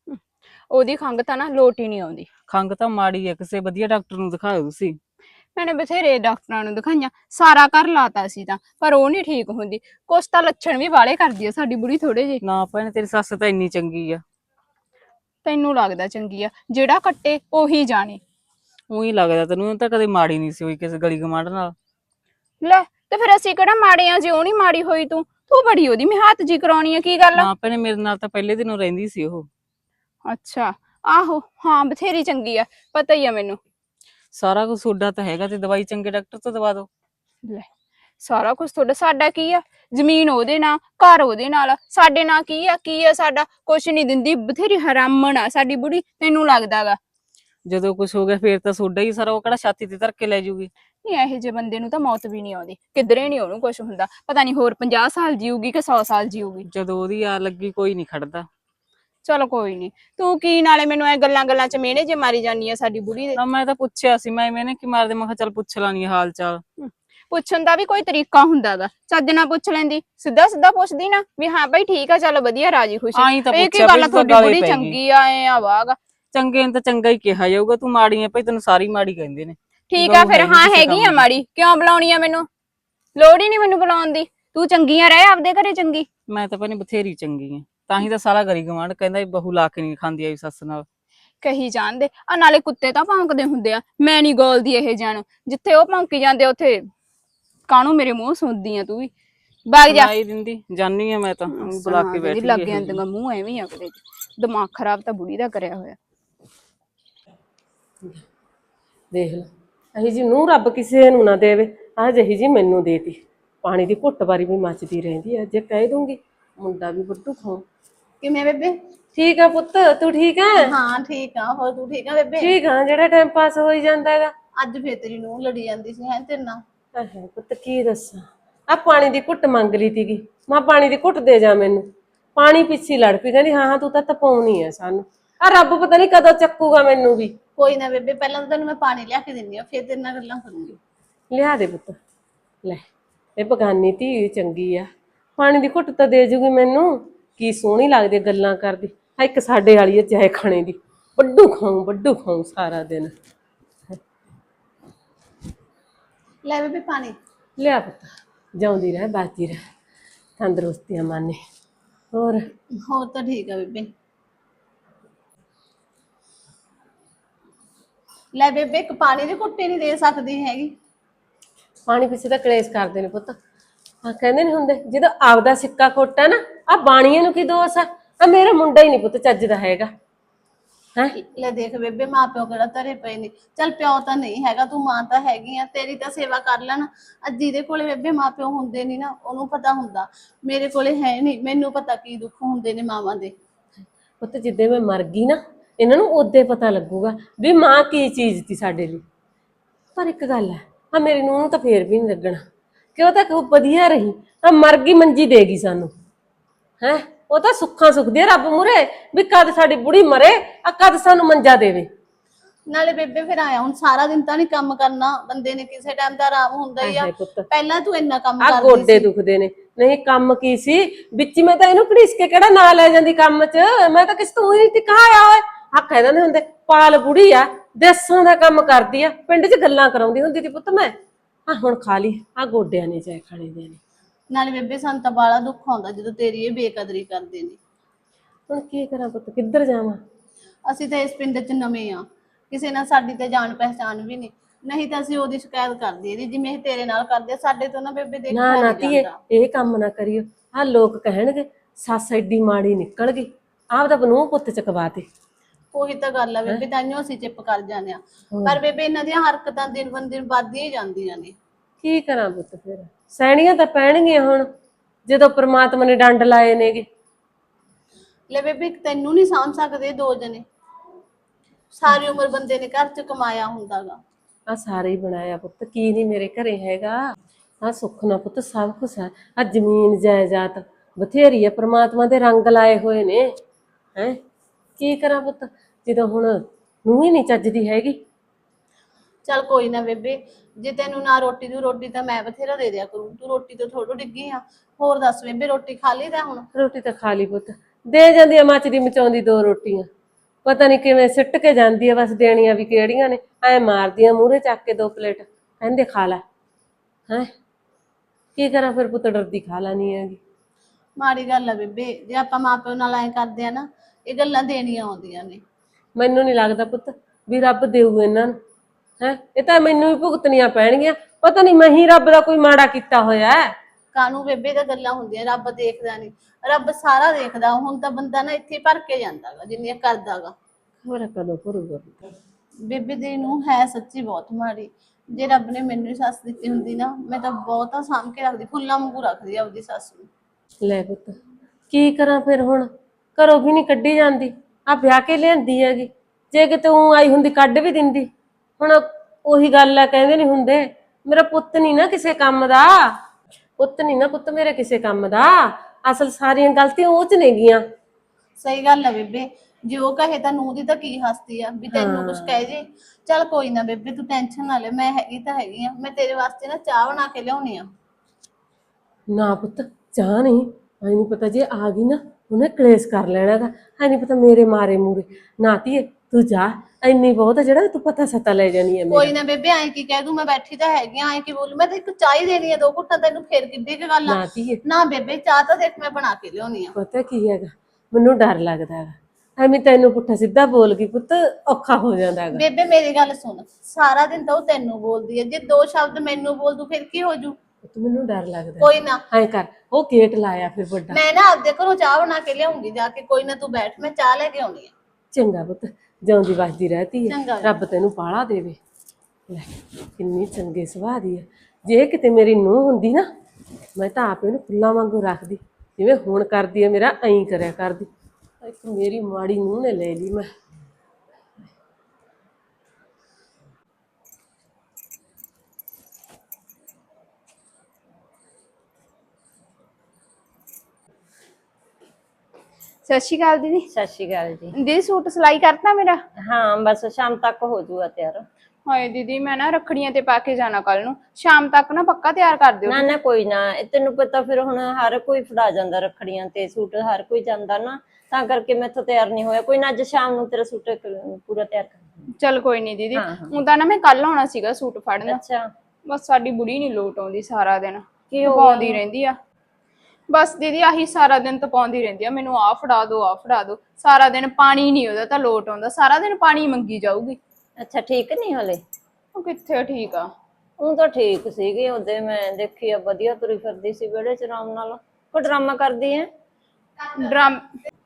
ਉਹਦੀ ਖੰਗ ਤਾਂ ਨਾ ਲੋਟ ਹੀ ਨਹੀਂ ਆਉਂਦੀ।
ਖੰਗ ਤਾਂ ਮਾੜੀ ਆ, ਕਿਸੇ ਵਧੀਆ ਡਾਕਟਰ ਨੂੰ ਦਿਖਾਓ ਤੁਸੀਂ।
ਮੈਨੇ ਬਥੇਰੇ ਡਾਕਟਰਾਂ ਨੂੰ ਦਿਖਾਈਆਂ, ਸਾਰਾ ਘਰ ਲਾਤਾ ਸੀ ਤਾਂ, ਪਰ ਉਹ ਨਹੀਂ ਠੀਕ ਹੁੰਦੀ। ਕੁਛ ਤਾਂ ਲੱਛਣ ਵੀ ਵਾਲੇ ਕਰਦੀ ਆ ਸਾਡੀ ਬੁੜੀ ਥੋੜੇ ਜਿਹੇ।
ਨਾ ਭੈਣੇ ਤੇਰੀ ਸੱਸ ਤਾਂ ਇੰਨੀ ਚੰਗੀ ਆ।
ਤੈਨੂੰ ਲੱਗਦਾ ਚੰਗੀ ਆ, ਜਿਹੜਾ ਕੱਟੇ ਉਹੀ ਜਾਣੇ।
ਉਹੀ ਲੱਗਦਾ ਤੈਨੂੰ, ਉਹ ਤਾਂ ਕਦੇ ਮਾੜੀ ਨਹੀਂ ਸੀ ਹੋਈ ਕਿਸੇ ਗਲੀ ਗਮਾਂਡ ਨਾਲ।
ਲੈ ਤੇ ਫਿਰ ਅਸੀਂ ਕਿਹੜਾ ਮਾੜੇ ਆ ਜੇ ਉਹ ਨਹੀਂ ਮਾੜੀ ਹੋਈ। ਤੂੰ ਤੂੰ ਬੜੀ ਉਹਦੀ ਮਿਹਨਤ ਜੀ ਕਰਾਉਣੀ ਆ, ਕੀ ਗੱਲ ਆ?
ਨਾ ਭੈਣੇ ਮੇਰੇ ਨਾਲ ਤਾਂ ਪਹਿਲੇ ਦਿਨੋਂ ਰਹਿੰਦੀ ਸੀ ਉਹ।
ਅੱਛਾ ਆਹੋ ਹਾਂ, ਬਥੇਰੀ ਚੰਗੀ ਆ, ਪਤਾ ਹੀ ਆ ਮੈਨੂੰ।
ਸਾਰਾ ਕੁਝ ਸੋਡਾ ਤਾਂ ਹੈਗਾ ਤੇ ਦਵਾਈ ਚੰਗੇ ਡਾਕਟਰ ਤੋਂ ਦਵਾ ਦਿਓ।
ਲੈ ਸਾਰਾ ਕੁਝ ਤੁਹਾਡਾ, ਸਾਡਾ ਕੀ ਆ? ਜ਼ਮੀਨ ਉਹਦੇ ਨਾਲ, ਘਰ ਉਹਦੇ ਨਾਲ, ਸਾਡੇ ਨਾਲ ਕੀ ਆ? ਕੀ ਆ ਸਾਡਾ? ਕੁਛ ਨਹੀਂ ਦਿੰਦੀ, ਬਥੇਰੀ ਹਰਾਮਣ ਆ ਸਾਡੀ ਬੁੜੀ, ਤੈਨੂੰ ਲੱਗਦਾਗਾ?
ਜਦੋਂ ਕੁਝ ਹੋ ਗਿਆ ਫੇਰ ਤਾਂ ਸੋਡਾ ਹੀ ਸਾਰਾ। ਉਹ ਕਿਹੜਾ ਛਾਤੀ ਤੇ ਧਰ ਕੇ ਲੈ ਜੂਗੀ?
ਨਹੀਂ ਇਹੋ ਜਿਹੇ ਬੰਦੇ ਨੂੰ ਤਾਂ ਮੌਤ ਵੀ ਨਹੀਂ ਆਉਂਦੀ, ਕਿਧਰੇ ਨਹੀਂ ਉਹਨੂੰ ਕੁਛ ਹੁੰਦਾ। ਪਤਾ ਨਹੀਂ ਹੋਰ ਪੰਜਾਹ ਸਾਲ ਜੀਊਗੀ ਕਿ ਸੌ ਸਾਲ ਜੀਊਗੀ।
ਜਦੋਂ ਉਹਦੀ ਆ ਲੱਗੀ ਕੋਈ ਨਹੀਂ ਖੜਦਾ।
ਚਲੋ ਕੋਈ ਨਹੀਂ, ਤੂੰ ਕੀ ਨਾਲੇ ਮੈਨੂੰ ਐ ਗੱਲਾਂ ਗੱਲਾਂ ਚ ਮਿਹਣੇ ਜੇ ਮਾਰੀ ਜਾਨੀ ਆ ਸਾਡੀ ਬੁੜੀ ਦੇ।
ਨਾ ਮੈਂ ਤਾਂ ਪੁੱਛਿਆ ਸੀ, ਮੈਂ ਮੈਨੇ ਕੀ ਮਾਰਦੇ, ਮੈਂ ਕਿਹਾ ਚੱਲ ਪੁੱਛ ਲਾਂਗੀ ਹਾਲ ਚਾਲ।
ਪੁੱਛਣ ਦਾ ਵੀ ਕੋਈ ਤਰੀਕਾ ਹੁੰਦਾਗਾ। ਚੱਜ ਨਾਲ ਪੁੱਛ ਲੈਂਦੀ, ਸਿੱਧਾ ਸਿੱਧਾ ਪੁੱਛਦੀ ਨਾ ਵੀ ਹਾਂ ਭਾਈ ਠੀਕ ਆ, ਚੱਲ ਵਧੀਆ, ਰਾਜੀ ਖੁਸ਼ੀ।
ਆਈਂ ਤਾਂ
ਇਹ ਕੀ
ਪੁੱਛਿਆ
ਗੱਲ ਆ,
ਵੀ
ਤੁਹਾਡੀ
ਗਾਲੀ
ਬੁੜੀ
ਪੈ ਗਈ।
ਚੰਗੀ ਆ ਐ ਆ ਵਾਗਾ।
ਚੰਗੇ ਨੂੰ ਤਾਂ ਚੰਗਾ ਹੀ ਕਿਹਾ ਜਾਊਗਾ। ਤੂੰ ਮਾੜੀ ਆ ਭਾਈ, ਤੈਨੂੰ ਸਾਰੀ ਮਾੜੀ ਕਹਿੰਦੇ ਨੇ।
ਠੀਕ ਆ
ਬਹੂ
ਫਿਰ,
ਹੈ ਨੀ
ਹਾਂ
ਕਿਸੇ
ਹੈਗੀ ਆ
ਕੰਮ ਦੀ।
ਮਾੜੀ, ਕਿਉਂ ਬੁਲਾਉਣੀ ਆ ਮੈਨੂੰ? ਲੋੜ ਹੀ ਨਹੀਂ ਮੈਨੂੰ ਬੁਲਾਉਣ ਦੀ। ਤੂੰ ਚੰਗੀਆਂ ਰਹਿ ਆਪਦੇ ਘਰੇ ਚੰਗੀ।
ਮੈਂ ਤਾਂ ਭੈਣੇ ਬਥੇਰੀ ਚੰਗੀ ਆ, ਤਾਂ ਹੀ ਤਾਂ ਸਾਰਾ ਗਲੀ ਗਵਾਂਢ ਕਹਿੰਦਾ ਵੀ ਬਹੂ ਲਾ ਕੇ ਨਹੀਂ ਖਾਂਦੀ ਆਈ ਸੱਸ ਨਾਲ।
ਕਹੀ ਜਾਣਦੇ ਆ, ਨਾਲੇ ਕੁੱਤੇ ਤਾਂ ਭੌਂਕਦੇ ਹੁੰਦੇ ਆ, ਮੈਂ ਨਹੀਂ ਗੋਲਦੀ ਇਹ ਜਾਣ। ਜਿੱਥੇ ਉਹ ਭੌਂਕੀ ਜਾਂਦੇ ਉੱਥੇ ਕਾਹਨੂੰ ਮੇਰੇ ਮੂੰਹ ਸੁਣਦੀ ਆ ਤੂੰ ਵੀ? ਵਗ ਜਾ।
ਸੁਣਾਈ ਦਿੰਦੀ ਜਾਨੀ ਆ ਮੈਂ ਤਾਂ, ਉਹਨੂੰ ਬੁਲਾ ਕੇ ਬੈਠੀ
ਲੱਗ
ਇਹੋ ਜਿਹੀ।
ਜਾਂਦੀਆਂ ਮੂੰਹ ਐਵੇਂ ਆ ਕਦੇ। ਦਿਮਾਗ ਖਰਾਬ ਤਾਂ ਬੁੜੀ ਦਾ ਕਰਿਆ ਹੋਇਆ।
ਦੇਖ ਲੈ, ਅਹੀ ਜੀ ਨੂੰ ਰੱਬ ਕਿਸੇ ਨੂੰ ਨਾ ਦੇਵੇ, ਆਹ ਜਿਹੀ ਜੀ ਮੈਨੂੰ ਦੇਤੀ। ਪਾਣੀ ਦੀ ਘੁੱਟ ਵਾਰੀ ਵੀ ਮੱਚਦੀ ਰਹਿੰਦੀ ਹੈ। ਜੇ ਕਹਿ ਦੂੰਗੀ ਮੁੰਡਾ ਵੀ ਬੱਟੂ ਖਾਉ।
ਕਿਵੇਂ ਬੇਬੇ?
ਠੀਕ ਆ ਪੁੱਤ, ਤੂੰ ਠੀਕ ਹੈ?
ਹਾਂ ਠੀਕ ਆ। ਹੋਰ ਤੂੰ ਠੀਕ ਆ ਬੇਬੇ?
ਠੀਕ ਆ, ਜਿਹੜਾ ਟਾਈਮ ਪਾਸ ਹੋਈ ਜਾਂਦਾ ਹੈਗਾ।
ਅੱਜ ਫੇਰ ਤੇਰੀ ਨੂੰਹ ਲੜੀ ਜਾਂਦੀ ਸੀ ਹੈ ਤੇਰੇ ਨਾਲ।
ਆਹੇ ਪੁੱਤ ਕੀ ਦੱਸਾਂ, ਆ ਪਾਣੀ ਦੀ ਘੁੱਟ ਮੰਗ ਲਈ ਤੀਗੀ। ਮਾਂ ਪਾਣੀ ਦੀ ਘੁੱਟ ਦੇ ਜਾ ਮੈਨੂੰ। ਪਾਣੀ ਪਿੱਛੇ ਲੜ ਪਈ, ਕਹਿੰਦੀ ਹਾਂ ਹਾਂ ਤੂੰ ਤਾਂ ਤਪਾਉਣੀ ਆ ਸਾਨੂੰ। ਆ ਰੱਬ ਪਤਾ ਨਹੀਂ ਕਦੋਂ ਚੱਕੂਗਾ ਮੈਨੂੰ ਵੀ।
ਕੋਈ ਨਾ ਬੇਬੇ, ਪਹਿਲਾਂ ਤਾਂ ਤੈਨੂੰ ਮੈਂ ਪਾਣੀ ਲਿਆ ਕੇ ਦਿੰਦੀ ਆ, ਫੇਰ ਤੇਰੇ ਨਾਲ ਗੱਲਾਂ ਕਰੂੰਗੀ।
ਲਿਆ ਦੇ ਪੁੱਤ। ਲੈ ਇਹ ਬਗਾਨੀ ਧੀ ਚੰਗੀ ਆ, ਪਾਣੀ ਦੀ ਘੁੱਟ ਤਾਂ ਦੇ ਜੂਗੀ ਮੈਨੂੰ। ਕੀ ਸੋਹਣੀ ਲੱਗਦੀ ਗੱਲਾਂ ਕਰਦੀ। ਆ ਇੱਕ ਸਾਡੇ ਵਾਲੀ ਆ ਚਾਹੇ ਖਾਣੇ ਦੀ, ਵੱਡੂ ਖਾਉ ਵੱਡੂ ਖਾਉ ਸਾਰਾ ਦਿਨ।
ਲੈ ਬੇਬੇ ਪਾਣੀ।
ਲਿਆ ਪੁੱਤ, ਜਾਉਂਦੀ ਰਹਿ ਬਾਜੀ ਰਹਿ, ਤੰਦਰੁਸਤੀਆਂ ਮਾਨੇ। ਹੋਰ
ਹੋਰ ਤਾਂ ਠੀਕ ਆ ਬੇਬੇ। ਲੈ ਬੇਬੇ, ਇੱਕ ਪਾਣੀ ਦੀ ਘੁੱਟੀ ਨਹੀਂ ਦੇ ਸਕਦੀ ਹੈਗੀ?
ਪਾਣੀ ਪਿੱਛੇ ਤਾਂ ਕਲੇਸ਼ ਕਰਦੇ ਨੇ ਪੁੱਤ। ਆ ਕਹਿੰਦੇ ਨਹੀਂ ਹੁੰਦੇ, ਜਦੋਂ ਆਪਦਾ ਸਿੱਕਾ ਖੋਟਾ ਨਾ, ਆ ਬਾਣੀਏ ਨੂੰ ਕੀ ਦੋਸ ਆ? ਆ ਮੇਰਾ ਮੁੰਡਾ ਹੀ ਨਹੀਂ ਪੁੱਤ ਚੱਜ ਦਾ ਹੈਗਾ ਹੈ।
ਲੈ ਦੇਖ ਬੇਬੇ, ਮਾਂ ਪਿਓ ਕਿਹੜਾ ਧਰੇ ਪਏ ਨੇ। ਚੱਲ ਪਿਓ ਤਾਂ ਨਹੀਂ ਹੈਗਾ, ਤੂੰ ਮਾਂ ਤਾਂ ਹੈਗੀ ਆ, ਤੇਰੀ ਤਾਂ ਸੇਵਾ ਕਰ ਲੈਣ। ਅੱਜ ਜਿਹਦੇ ਕੋਲੇ ਬੇਬੇ ਮਾਂ ਪਿਓ ਹੁੰਦੇ ਨਹੀਂ ਨਾ, ਉਹਨੂੰ ਪਤਾ ਹੁੰਦਾ। ਮੇਰੇ ਕੋਲੇ ਹੈ ਨਹੀਂ, ਮੈਨੂੰ ਪਤਾ ਕੀ ਦੁੱਖ ਹੁੰਦੇ ਨੇ ਮਾਵਾਂ ਦੇ।
ਪੁੱਤ ਜਿੱਦੇ ਮੈਂ ਮਰ ਗਈ ਨਾ, ਇਹਨਾਂ ਨੂੰ ਉਦੇ ਪਤਾ ਲੱਗੂਗਾ ਵੀ ਮਾਂ ਕੀ ਚੀਜ਼ ਸੀ ਸਾਡੇ ਲਈ। ਪਰ ਇੱਕ ਗੱਲ ਹੈ, ਆ ਮੇਰੀ ਨੂੰਹ ਨੂੰ ਤਾਂ ਫੇਰ ਵੀ ਨਹੀਂ ਲੱਗਣਾ ਕਿ ਉਹ ਤਾਂ खूब ਵਧੀਆ ਰਹੀ। ਆ ਮਰ ਗਈ ਮੰਜੀ ਦੇਗੀ ਸਾਨੂੰ ਹੈ। ਉਹ ਤਾਂ ਸੁੱਖਾਂ ਸੁਖਦੀ ਆ ਰੱਬ ਮੂਰੇ ਵੀ ਕਦ ਸਾਡੀ ਬੁੜੀ ਮਰੇ, ਆ ਕਦ ਸਾਨੂੰ ਮੰਜਾ ਦੇਵੇ।
ਨਾਲੇ ਬੇਬੇ ਫਿਰ ਆਇਆ, ਹੁਣ ਸਾਰਾ ਦਿਨ ਤਾਂ ਨਹੀਂ ਕੰਮ ਕਰਨਾ ਬੰਦੇ ਨੇ, ਕਿਸੇ ਟਾਈਮ ਤਾਂ ਆਰਾਮ ਹੁੰਦਾ ਹੀ ਆ।
ਹਾਏ ਪੁੱਤ,
ਪਹਿਲਾਂ ਤੂੰ ਇੰਨਾ ਕੰਮ
ਆ
ਕਰਦੀ
ਗੋਡੇ
ਸੀ।
ਦੁਖਦੇ ਨੇ। ਨਹੀਂ ਕੰਮ ਕੀ ਸੀ ਵਿੱਚ, ਮੈਂ ਤਾਂ ਇਹਨੂੰ ਘੜੀਸ ਕੇ ਕਿਹੜਾ ਨਾਂ ਲੈ ਜਾਂਦੀ ਕੰਮ 'ਚ। ਮੈਂ ਤਾਂ ਕਿਸ ਤੋਂ ਹੀ ਨਹੀਂ ਟਿਕਾਇਆ ਓਏ। ਆ ਕਹਿੰਦੇ ਨੇ ਹੁੰਦੇ ਪਾਲ ਬੁੜੀ ਆ, ਦੇਸਾਂ ਦਾ ਕੰਮ ਕਰਦੀ ਆ, ਪਿੰਡ 'ਚ ਗੱਲਾਂ ਕਰਾਉਂਦੀ ਹੁੰਦੀ ਸੀ ਪੁੱਤ ਮੈਂ। ਆ ਹੁਣ ਖਾ ਲਈ, ਆ ਗੋਡਿਆਂ ਨੇ ਚਾਹੇ ਖਾਣੇ ਦੇ ਨੇ।
ਨਾਲੇ ਬੇਬੇ ਸਾਨੂੰ ਤਾਂ ਬਾਲਾ ਦੁੱਖ ਆਉਂਦਾ ਜਦੋਂ ਤੇਰੀ ਇਹ ਬੇਕਦਰੀ ਕਰਦੇ ਨੇ।
ਹੁਣ ਕੀ ਕਰਾਂ ਪੁੱਤ, ਕਿੱਧਰ ਜਾਵਾਂ?
ਅਸੀਂ ਤਾਂ ਇਸ ਪਿੰਡ 'ਚ ਨਵੇਂ ਆ, ਕਿਸੇ ਨਾਲ ਸਾਡੀ ਤਾਂ ਜਾਣ ਪਹਿਚਾਣ ਵੀ ਨਹੀਂ। ਨਹੀਂ ਤਾਂ ਅਸੀਂ ਉਹਦੀ ਸ਼ਿਕਾਇਤ ਕਰਦੇ ਇਹਦੀ, ਜਿਵੇਂ ਇਹ ਤੇਰੇ ਨਾਲ ਕਰਦੇ ਆ। ਸਾਡੇ ਤੋਂ ਨਾ ਬੇਬੇ ਦੇਖਿਆ
ਨਾ ਨਾ
ਨਹੀਂ
ਧੀਏ,
ਜਾਂਦਾ।
ਇਹ ਕੰਮ ਨਾ ਕਰਿਓ। ਆ ਲੋਕ ਕਹਿਣਗੇ ਸੱਸ ਐਡੀ ਮਾੜੀ ਨਿਕਲ ਗਈ, ਆਪਦਾ ਬਨੂ ਪੁੱਤ ਚਕਵਾਤੇ।
ਉਹੀ ਤਾਂ ਗੱਲ ਆ ਬੇਬੇ, ਤਾਂਹੀਓ ਅਸੀਂ ਚੁੱਪ ਕਰ ਜਾਂਦੇ ਆ। ਪਰ ਬੇਬੇ ਇਹਨਾਂ ਦੀਆਂ ਹਰਕਤਾਂ ਦਿਨ ਬਨ ਦਿਨ ਵੱਧਦੀਆਂ ਹੀ ਜਾਂਦੀਆਂ ਨੇ।
ਕੀ ਕਰਾਂ ਪੁੱਤ, ਫਿਰ ਸਹਿਣੀਆਂ ਤਾਂ ਪੈਣਗੀਆਂ ਹੁਣ, ਜਦੋਂ ਪ੍ਰਮਾਤਮਾ ਨੇ ਡੰਡ ਲਾਏ ਨੇਗੇ।
ਲੈ ਬੇਬੇ, ਤੈਨੂੰ ਨਹੀਂ ਸਾਂਭ ਸਕਦੇ ਦੋ ਜਣੇ? ਸਾਰੀ ਉਮਰ ਬੰਦੇ ਨੇ ਘਰ 'ਚ ਕਮਾਇਆ ਹੁੰਦਾਗਾ।
ਆ ਸਾਰੇ ਹੀ ਬਣਾਇਆ ਪੁੱਤ, ਕੀ ਨਹੀਂ ਮੇਰੇ ਘਰੇ ਹੈਗਾ। ਆ ਸੁੱਖ ਨਾ ਪੁੱਤ ਸਭ ਕੁਛ ਹੈ। ਆ ਜ਼ਮੀਨ ਜਾਇਦਾਦ ਬਥੇਰੀ ਹੈ, ਪ੍ਰਮਾਤਮਾ ਦੇ ਰੰਗ ਲਾਏ ਹੋਏ ਨੇ ਹੈ। ਕੀ ਕਰਾਂ ਪੁੱਤ ਜਦੋਂ ਹੁਣ ਨੂੰ ਹੀ ਨਹੀਂ ਚੱਜਦੀ ਹੈਗੀ।
ਚੱਲ ਕੋਈ ਨਾ ਬੇਬੇ, ਜੇ ਤੈਨੂੰ ਨਾ ਰੋਟੀ ਦੀ ਰੋਟੀ ਤਾਂ ਮੈਂ ਬਥੇਰਾ ਦੇ ਦਿਆ ਕਰੂੰ, ਤੂੰ ਰੋਟੀ ਤੋਂ ਥੋੜੋ ਡਿੱਗੀ ਆ। ਹੋਰ ਦੱਸ ਬੇਬੇ, ਰੋਟੀ ਖਾ ਲਈ ਤਾਂ ਹੁਣ?
ਰੋਟੀ ਤਾਂ ਖਾ ਲਈ ਪੁੱਤ, ਦੇ ਜਾਂਦੀ ਆ ਮੱਚਦੀ ਮਚਾਉਂਦੀ ਦੋ ਰੋਟੀਆਂ, ਪਤਾ ਨਹੀਂ ਕਿਵੇਂ ਸਿੱਟ ਕੇ ਜਾਂਦੀ ਆ, ਬਸ ਦੇਣੀਆਂ ਵੀ ਕਿਹੜੀਆਂ ਨੇ, ਐ ਮਾਰਦੀਆਂ ਮੂਹਰੇ ਚੱਕ ਕੇ ਦੋ ਪਲੇਟ, ਕਹਿੰਦੇ ਖਾ ਲੈ ਹੈ। ਕੀ ਕਰਾਂ ਫਿਰ ਪੁੱਤ, ਡਰਦੀ ਖਾ ਲੈਣੀ ਹੈਗੀ।
ਮਾੜੀ ਗੱਲ ਆ ਬੇਬੇ, ਜੇ ਆਪਾਂ ਮਾਪਿਓ ਨਾਲ ਐ ਕਰਦੇ ਆ ਨਾ, ਇਹ ਗੱਲਾਂ ਦੇਣੀਆਂ ਆਉਂਦੀਆਂ ਨੇ।
ਮੈਨੂੰ ਨਹੀਂ ਲੱਗਦਾ ਪੁੱਤ ਵੀ ਰੱਬ ਦੇਊ ਇਹਨਾਂ ਨੂੰ ਹੈ, ਇਹ ਤਾਂ ਮੈਨੂੰ ਵੀ ਭੁਗਤਣੀਆਂ ਪੈਣਗੀਆਂ। ਪਤਾ ਨਹੀਂ ਮੈਂ ਹੀ ਰੱਬ ਦਾ ਕੋਈ ਮਾੜਾ ਕੀਤਾ ਹੋਇਆ ਹੈ।
ਕਾਨੂੰ ਬੇਬੇ ਤਾਂ ਗੱਲਾਂ ਹੁੰਦੀਆਂ, ਰੱਬ ਦੇਖਦਾ ਨਹੀਂ, ਰੱਬ ਸਾਰਾ ਦੇਖਦਾ। ਹੁਣ ਤਾਂ ਬੰਦਾ ਨਾ ਇੱਥੇ ਭਰ ਕੇ ਜਾਂਦਾਗਾ ਜਿੰਨੀਆਂ ਕਰਦਾਗਾ।
ਹੋਰ ਕਦੋਂ ਭਰੂਗਾ।
ਬੇਬੇ ਦੀ ਨੂੰ ਹੈ ਸੱਚੀ ਬਹੁਤ ਮਾੜੀ। ਜੇ ਰੱਬ ਨੇ ਮੈਨੂੰ ਹੀ ਸੱਸ ਦਿੱਤੀ ਹੁੰਦੀ ਨਾ, ਮੈਂ ਤਾਂ ਬਹੁਤਾ ਸਾਂਭ ਕੇ ਰੱਖਦੀ, ਫੁੱਲਾਂ ਵਾਂਗੂ ਰੱਖਦੀ ਆਪਦੀ ਸੱਸ ਨੂੰ।
ਲੈ ਪੁੱਤ ਕੀ ਕਰਾਂ ਫਿਰ, ਹੁਣ ਘਰੋਂ ਵੀ ਨਹੀਂ ਕੱਢੀ ਜਾਂਦੀ, ਆ ਵਿਆਹ ਕੇ ਲਿਆਂਦੀ ਹੈਗੀ। ਜੇ ਕਿਤੇ ਉਹ ਆਈ ਹੁੰਦੀ ਕੱਢ ਵੀ ਦਿੰਦੀ। ਹੁਣ ਉਹੀ ਗੱਲ ਹੈ, ਕਹਿੰਦੇ ਨਹੀਂ ਹੁੰਦੇ ਮੇਰਾ ਪੁੱਤ ਨਹੀਂ ਨਾ ਕਿਸੇ ਕੰਮ ਦਾ, ਪੁੱਤ ਨਹੀਂ ਨਾ ਪੁੱਤ ਮੇਰੇ ਕਿਸੇ ਕੰਮ ਦਾ, ਅਸਲ ਸਾਰੀਆਂ ਗਲਤੀਆਂ ਉਹ ਚ ਨੇਗੀਆਂ।
ਸਹੀ ਗੱਲ ਆ ਬੇਬੇ, ਜੇ ਉਹ ਕਹੇ ਤਾਂ ਨੂੰਹ ਦੀ ਤਾਂ ਕੀ ਹਸਤੀ ਆ ਵੀ ਤੈਨੂੰ ਕੁਝ ਕਹਿ ਜੇ। ਚੱਲ ਕੋਈ ਨਾ ਬੇਬੇ, ਤੂੰ ਟੈਨਸ਼ਨ ਨਾ ਲੈ, ਮੈਂ ਹੈਗੀ ਤਾਂ ਹੈਗੀ ਆ। ਮੈਂ ਤੇਰੇ ਵਾਸਤੇ ਨਾ ਚਾਹ ਬਣਾ ਕੇ ਲਿਆਉਣੀ ਆ।
ਨਾ ਪੁੱਤ ਚਾਹ ਨਹੀਂ, ਐ ਨਹੀਂ ਪਤਾ ਜੇ ਆ ਗਈ ਨਾ ਉਹਨੇ ਕਲੇਸ਼ ਕਰ ਲੈਣਾਗਾ, ਐ ਨਹੀਂ ਪਤਾ ਮੇਰੇ ਮਾਰੇ ਮੂਰੇ। ਨਾ ਧੀਏ ਤੂੰ ਜਾ, ਇੰਨੀ ਬਹੁਤ ਆ ਜਿਹੜਾ ਤੂੰ ਪਤਾ ਸਤਾ ਲੈ ਜਾਣੀ ਹੈ ਮੇਰਾ।
ਕੋਈ ਨਾ ਬੇਬੇ, ਐਂ ਕੀ ਕਹਿ ਦੂੰ, ਮੈਂ ਬੈਠੀ ਤਾਂ ਹੈਗੀ ਆ, ਐਂ ਕੀ ਬੋਲੂ ਮੈਂ? ਤਾਂ ਇੱਕ ਚਾਹ ਹੀ ਦੇਣੀ ਆ, ਦੋ ਘੁੱਟਾਂ, ਤੈਨੂੰ ਫੇਰ ਕਿੱਡੀ ਕੁ ਗੱਲ ਆ।
ਨਾ ਧੀਏ
ਨਾ ਬੇਬੇ, ਚਾਹ ਤਾਂ ਦੇਖ ਮੈਂ ਬਣਾ ਕੇ ਲਿਆਉਣੀ ਆ।
ਪਤਾ ਕੀ ਹੈਗਾ, ਮੈਨੂੰ ਡਰ ਲੱਗਦਾ ਹੈਗਾ, ਐਵੇਂ ਤੈਨੂੰ ਪੁੱਠਾ ਸਿੱਧਾ ਬੋਲ ਗਈ ਪੁੱਤ ਔਖਾ ਹੋ ਜਾਂਦਾ ਹੈਗਾ।
ਬੇਬੇ ਮੇਰੀ ਗੱਲ ਸੁਣ, ਸਾਰਾ ਦਿਨ ਤਾਂ ਉਹ ਤੈਨੂੰ ਬੋਲਦੀ ਹੈ, ਜੇ ਦੋ ਸ਼ਬਦ ਮੈਨੂੰ ਬੋਲ ਦੂ ਫਿਰ ਕੀ ਹੋ ਜੂ?
ਪੁੱਤ ਮੈਨੂੰ ਡਰ ਲੱਗਦਾ।
ਕੋਈ ਨਾ,
ਐ ਕਰ ਉਹ ਗੇਟ ਲਾਇਆ ਫਿਰ ਵੱਡਾ।
ਮੈਂ ਨਾ ਆਪਦੇ ਘਰੋਂ ਚਾਹ ਬਣਾ ਕੇ ਲਿਆਉਂਗੀ ਜਾ ਕੇ। ਕੋਈ ਨਾ ਤੂੰ ਬੈਠ, ਮੈਂ ਚਾਹ ਲੈ ਕੇ ਆਉਣੀ ਆ।
ਚੰਗਾ ਪੁੱਤ, ਜਿਉਂਦੀ ਵੱਸਦੀ ਰਹਤੀ ਹੈ,
ਚੰਗਾ।
ਰੱਬ ਤੈਨੂੰ ਪਾਲਾ ਦੇਵੇ। ਲੈ ਕਿੰਨੀ ਚੰਗੇ ਸੁਭਾਅ ਦੀ ਹੈ। ਜੇ ਕਿਤੇ ਮੇਰੀ ਨੂੰਹ ਹੁੰਦੀ ਨਾ, ਮੈਂ ਤਾਂ ਆਪ ਇਹਨੂੰ ਫੁੱਲਾਂ ਵਾਂਗੂ ਰੱਖਦੀ, ਜਿਵੇਂ ਹੁਣ ਕਰਦੀ ਹੈ ਮੇਰਾ ਐਂ ਕਰਿਆ ਕਰਦੀ। ਇੱਕ ਮੇਰੀ ਮਾੜੀ ਨੂੰਹ ਨੇ ਲੈ ਲਈ। ਮੈਂ
ਸਤਿ ਸ਼੍ਰੀ ਅਕਾਲ ਦੀਦੀ।
ਸਤਿ ਸ਼੍ਰੀ ਅਕਾਲ ਜੀ।
ਦੀਦੀ ਸੂਟ ਸਿਲਾਈ ਕਰਤਾ ਮੇਰਾ?
ਹਾਂ ਬਸ ਸ਼ਾਮ ਤੱਕ ਹੋ ਜੂਗਾ ਤਿਆਰ।
ਹਾਏ ਦੀਦੀ, ਮੈਂ ਨਾ ਰੱਖੜੀਆਂ ਤੇ ਪਾ ਕੇ ਜਾਣਾ ਕੱਲ ਨੂੰ, ਸ਼ਾਮ ਤੱਕ ਨਾ ਪੱਕਾ ਤਿਆਰ ਕਰ ਦਿਓ।
ਨਾ ਨਾ ਕੋਈ ਨਾ, ਇਹ ਤੈਨੂੰ ਪਤਾ ਫਿਰ ਹੁਣ ਹਰ ਕੋਈ ਫੜਾ ਜਾਂਦਾ ਰੱਖੜੀਆਂ ਤੇ ਸੂਟ, ਹਰ ਕੋਈ ਜਾਂਦਾ ਨਾ, ਤਾਂ ਕਰਕੇ ਮੈਥੋਂ ਤਿਆਰ ਨਹੀਂ ਹੋਇਆ। ਕੋਈ ਨਾ ਅੱਜ ਸ਼ਾਮ ਨੂੰ ਤੇਰਾ ਸੂਟ ਪੂਰਾ ਤਿਆਰ ਕਰ ਦੂੰਗੀ।
ਚਲ ਕੋਈ ਨਹੀਂ ਦੀਦੀ,
ਹਾਂ, ਹਾਂ।
ਹੁਣ ਤਾਂ ਨਾ ਮੈਂ ਕੱਲ ਆਉਣਾ ਸੀਗਾ ਸੂਟ ਫੜਨ।
ਅੱਛਾ,
ਬਸ ਸਾਡੀ ਬੁੜੀ ਨਹੀਂ ਲੋਟ ਆਉਂਦੀ, ਸਾਰਾ ਦਿਨ
ਕੀ ਹੋ
ਪਾਉਂਦੀ ਰਹਿੰਦੀ ਆ। ਬਸ ਦੀਦੀ ਆਹੀ ਸਾਰਾ ਦਿਨ ਤਪਾਉਂਦੀ ਰਹਿੰਦੀ ਆ, ਮੈਨੂੰ ਆਹ ਫੜਾ ਦੋ ਆਹ ਫੜਾ ਦੋ। ਸਾਰਾ ਦਿਨ ਪਾਣੀ ਨਹੀਂ ਉਹਦਾ ਤਾਂ ਲੋਟ ਆਉਂਦਾ, ਸਾਰਾ ਦਿਨ ਪਾਣੀ ਮੰਗੀ ਜਾਊਗੀ।
ਅੱਛਾ ਠੀਕ ਨਹੀਂ ਹਲੇ?
ਉਹ ਕਿੱਥੇ ਠੀਕ ਆ।
ਉਹ ਤਾਂ ਠੀਕ ਸੀਗੀ, ਉਹਦੇ ਮੈਂ ਦੇਖੀ ਆ ਵਧੀਆ ਤੁਰੀ ਫਿਰਦੀ ਸੀ ਵਿਹੜੇ ਚ ਆਰਾਮ ਨਾਲ। ਕੋਈ ਡਰਾਮਾ ਕਰਦੀ ਹੈ?
ਡਰਮ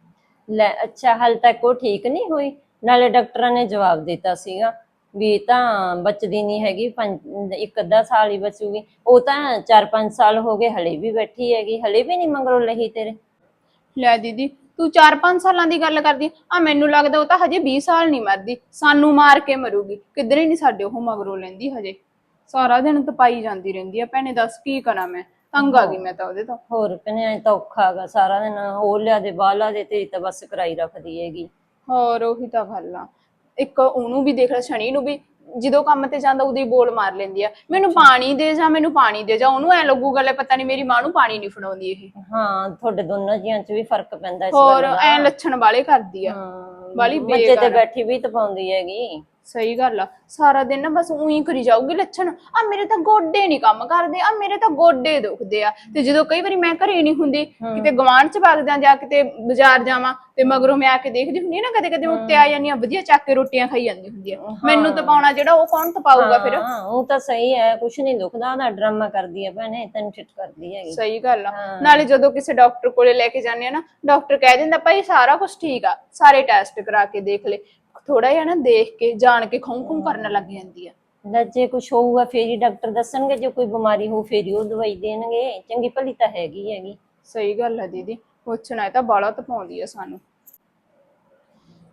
ਲੈ ਅੱਛਾ, ਹਾਲੇ ਤੱਕ ਉਹ ਠੀਕ ਨਹੀਂ ਹੋਈ? ਨਾਲੇ ਡਾਕਟਰਾਂ ਨੇ ਜਵਾਬ ਦਿੱਤਾ ਸੀਗਾ ਵੀ ਤਾਂ ਬਚਦੀ ਨਹੀਂ ਹੈਗੀ, ਪੰਜ ਇੱਕ ਅੱਧਾ ਸਾਲ ਹੀ ਬਚੂਗੀ। ਉਹ ਤਾਂ ਚਾਰ ਪੰਜ ਸਾਲ ਹੋ ਗਏ, ਹਲੇ ਵੀ ਬੈਠੀ ਹੈਗੀ, ਹਲੇ ਵੀ ਨਹੀਂ ਮਗਰੋਂ ਲਈ ਤੇਰੇ।
ਲੈ ਦੀਦੀ, ਤੂੰ ਚਾਰ ਪੰਜ ਸਾਲਾਂ ਦੀ ਗੱਲ ਕਰਦੀ ਆ, ਮੈਨੂੰ ਲੱਗਦਾ ਉਹ ਤਾਂ ਹਜੇ ਵੀਹ ਸਾਲ ਨਹੀਂ ਮਰਦੀ, ਸਾਨੂੰ ਮਾਰ ਕੇ ਮਰੂਗੀ। ਕਿਧਰੇ ਨਹੀਂ ਸਾਡੇ ਉਹ ਮਗਰੋਂ ਲੈਂਦੀ ਹਜੇ, ਸਾਰਾ ਦਿਨ ਤਪਾਈ ਜਾਂਦੀ ਰਹਿੰਦੀ ਆ। ਭੈਣੇ ਦੱਸ ਕੀ ਕਰਾਂ ਮੈਂ, ਤੰਗ ਆ ਗਈ ਮੈਂ ਤਾਂ ਉਹਦੇ ਤੋਂ।
ਹੋਰ ਭੈਣੇ ਐ ਤਾਂ ਔਖਾ ਗਾ, ਸਾਰਾ ਦਿਨ ਉਹ ਲਿਆ ਦੇ ਬਾਹ ਲਾ ਦੇ, ਤੇਰੀ ਤਾਂ ਬਸ ਕਰਾਈ ਰੱਖਦੀ ਹੈਗੀ।
ਹੋਰ ਉਹੀ ਤਾਂ ਗੱਲ ਆ। ਇੱਕ ਉਹਨੂੰ ਵੀ ਦੇਖ ਲੈ, ਸ਼ਨੀ ਨੂੰ ਵੀ, ਜਦੋਂ ਕੰਮ ਤੇ ਜਾਂਦਾ ਉਦੋਂ ਹੀ ਬੋਲ ਮਾਰ ਲੈਂਦੀ ਆ, ਮੈਨੂੰ ਪਾਣੀ ਦੇ ਜਾ ਮੈਨੂੰ ਪਾਣੀ ਦੇ ਜਾ। ਉਹਨੂੰ ਐ ਲੱਗੂਗਾ ਲੈ ਪਤਾ ਨਹੀਂ ਮੇਰੀ ਮਾਂ ਨੂੰ ਪਾਣੀ ਨਹੀਂ ਫੜਾਉਂਦੀ ਇਹ।
ਹਾਂ ਤੁਹਾਡੇ ਦੋਨਾਂ ਜੀਆਂ ਚ ਵੀ ਫਰਕ ਪੈਂਦਾ ਇਸ
ਹੋਰ
ਗੱਲ ਦਾ।
ਐ ਲੱਛਣ ਵਾਲੇ ਕਰਦੀ ਆ, ਵਾਲੀ
ਬੱਚੇ ਤੇ
ਬੇਕਾਰ।
ਬੈਠੀ ਵੀ ਤਪਾਉਂਦੀ ਹੈਗੀ।
ਸਹੀ ਗੱਲ ਆ, ਸਾਰਾ ਦਿਨ ਨਾ ਬਸ ਉਹੀ ਕਰੀ ਜਾਊਗੀ ਲੱਛਣ। ਆ ਮੇਰੇ ਤਾਂ ਗੋਡੇ ਨਹੀਂ ਕੰਮ ਕਰਦੇ, ਆ ਮੇਰੇ ਤਾਂ ਗੋਡੇ ਦੁਖਦੇ ਆ। ਤੇ ਜਦੋਂ ਕਈ ਵਾਰੀ ਮੈਂ ਘਰੇ ਨਹੀਂ ਹੁੰਦੀ, ਕਿਤੇ ਗਵਾਂਢ ਚ ਵਗਦਾ ਜਾਂ ਕਿਤੇ ਬਾਜ਼ਾਰ ਜਾਵਾਂ, ਤੇ ਮਗਰੋਂ ਮੈਂ ਆ ਕੇ ਦੇਖਦੀ ਹੁੰਦੀ ਨਾ, ਕਦੇ ਕਦੇ ਉੱਤੇ ਆ ਜਾਂਦੀਆਂ ਵਧੀਆ ਚੱਕ ਕੇ ਰੋਟੀਆਂ ਖਾਈ ਜਾਂਦੀ ਹੁੰਦੀ ਆ। ਮੈਨੂੰ ਤਪਾਉਣਾ ਜਿਹੜਾ ਉਹ ਕੌਣ ਤਪਾਊਗਾ ਫਿਰ?
ਹਾਂ ਉਹ ਤਾਂ ਸਹੀ ਹੈ, ਕੁਛ ਨਹੀਂ ਦੁਖਦਾ, ਉਹਦਾ ਡਰਾਮਾ ਕਰਦੀ ਹੈ ਭੈਣੇ, ਤੈਨੂੰ ਚਿੱਟ ਕਰਦੀ ਹੈਗੀ।
ਸਹੀ ਗੱਲ ਆ। ਨਾਲੇ ਜਦੋਂ ਕਿਸੇ ਡਾਕਟਰ ਕੋਲੇ ਲੈ ਕੇ ਜਾਂਦੇ ਆ ਨਾ, ਡਾਕਟਰ ਕਹਿ ਦਿੰਦਾ ਭਾਈ ਸਾਰਾ ਕੁਝ ਠੀਕ ਆ, ਸਾਰੇ ਟੈਸਟ ਕਰਾ ਕੇ ਦੇਖ ਲੈ। ਥੋੜਾ ਜਿਹਾ ਨਾ ਦੇਖ ਕੇ ਜਾਣ ਕੇ ਖੂੰ ਖੂੰ ਕਰਨ ਲੱਗ ਜਾਂਦੀ ਆ।
ਲੈ ਜੇ ਕੁਛ ਹੋਊਗਾ ਫੇਰ ਹੀ ਡਾਕਟਰ ਦੱਸਣਗੇ, ਜੇ ਕੋਈ ਬਿਮਾਰੀ ਹੋਊ ਫੇਰ ਹੀ ਉਹ ਦਵਾਈ ਦੇਣਗੇ। ਚੰਗੀ ਭਲੀ ਤਾਂ ਹੈਗੀ ਹੈਗੀ।
ਸਹੀ ਗੱਲ ਆ ਦੀਦੀ, ਪੁੱਛਣਾ ਇਹ ਤਾਂ ਬਾਲਾ ਤਪਾਉਂਦੀ ਆ ਸਾਨੂੰ।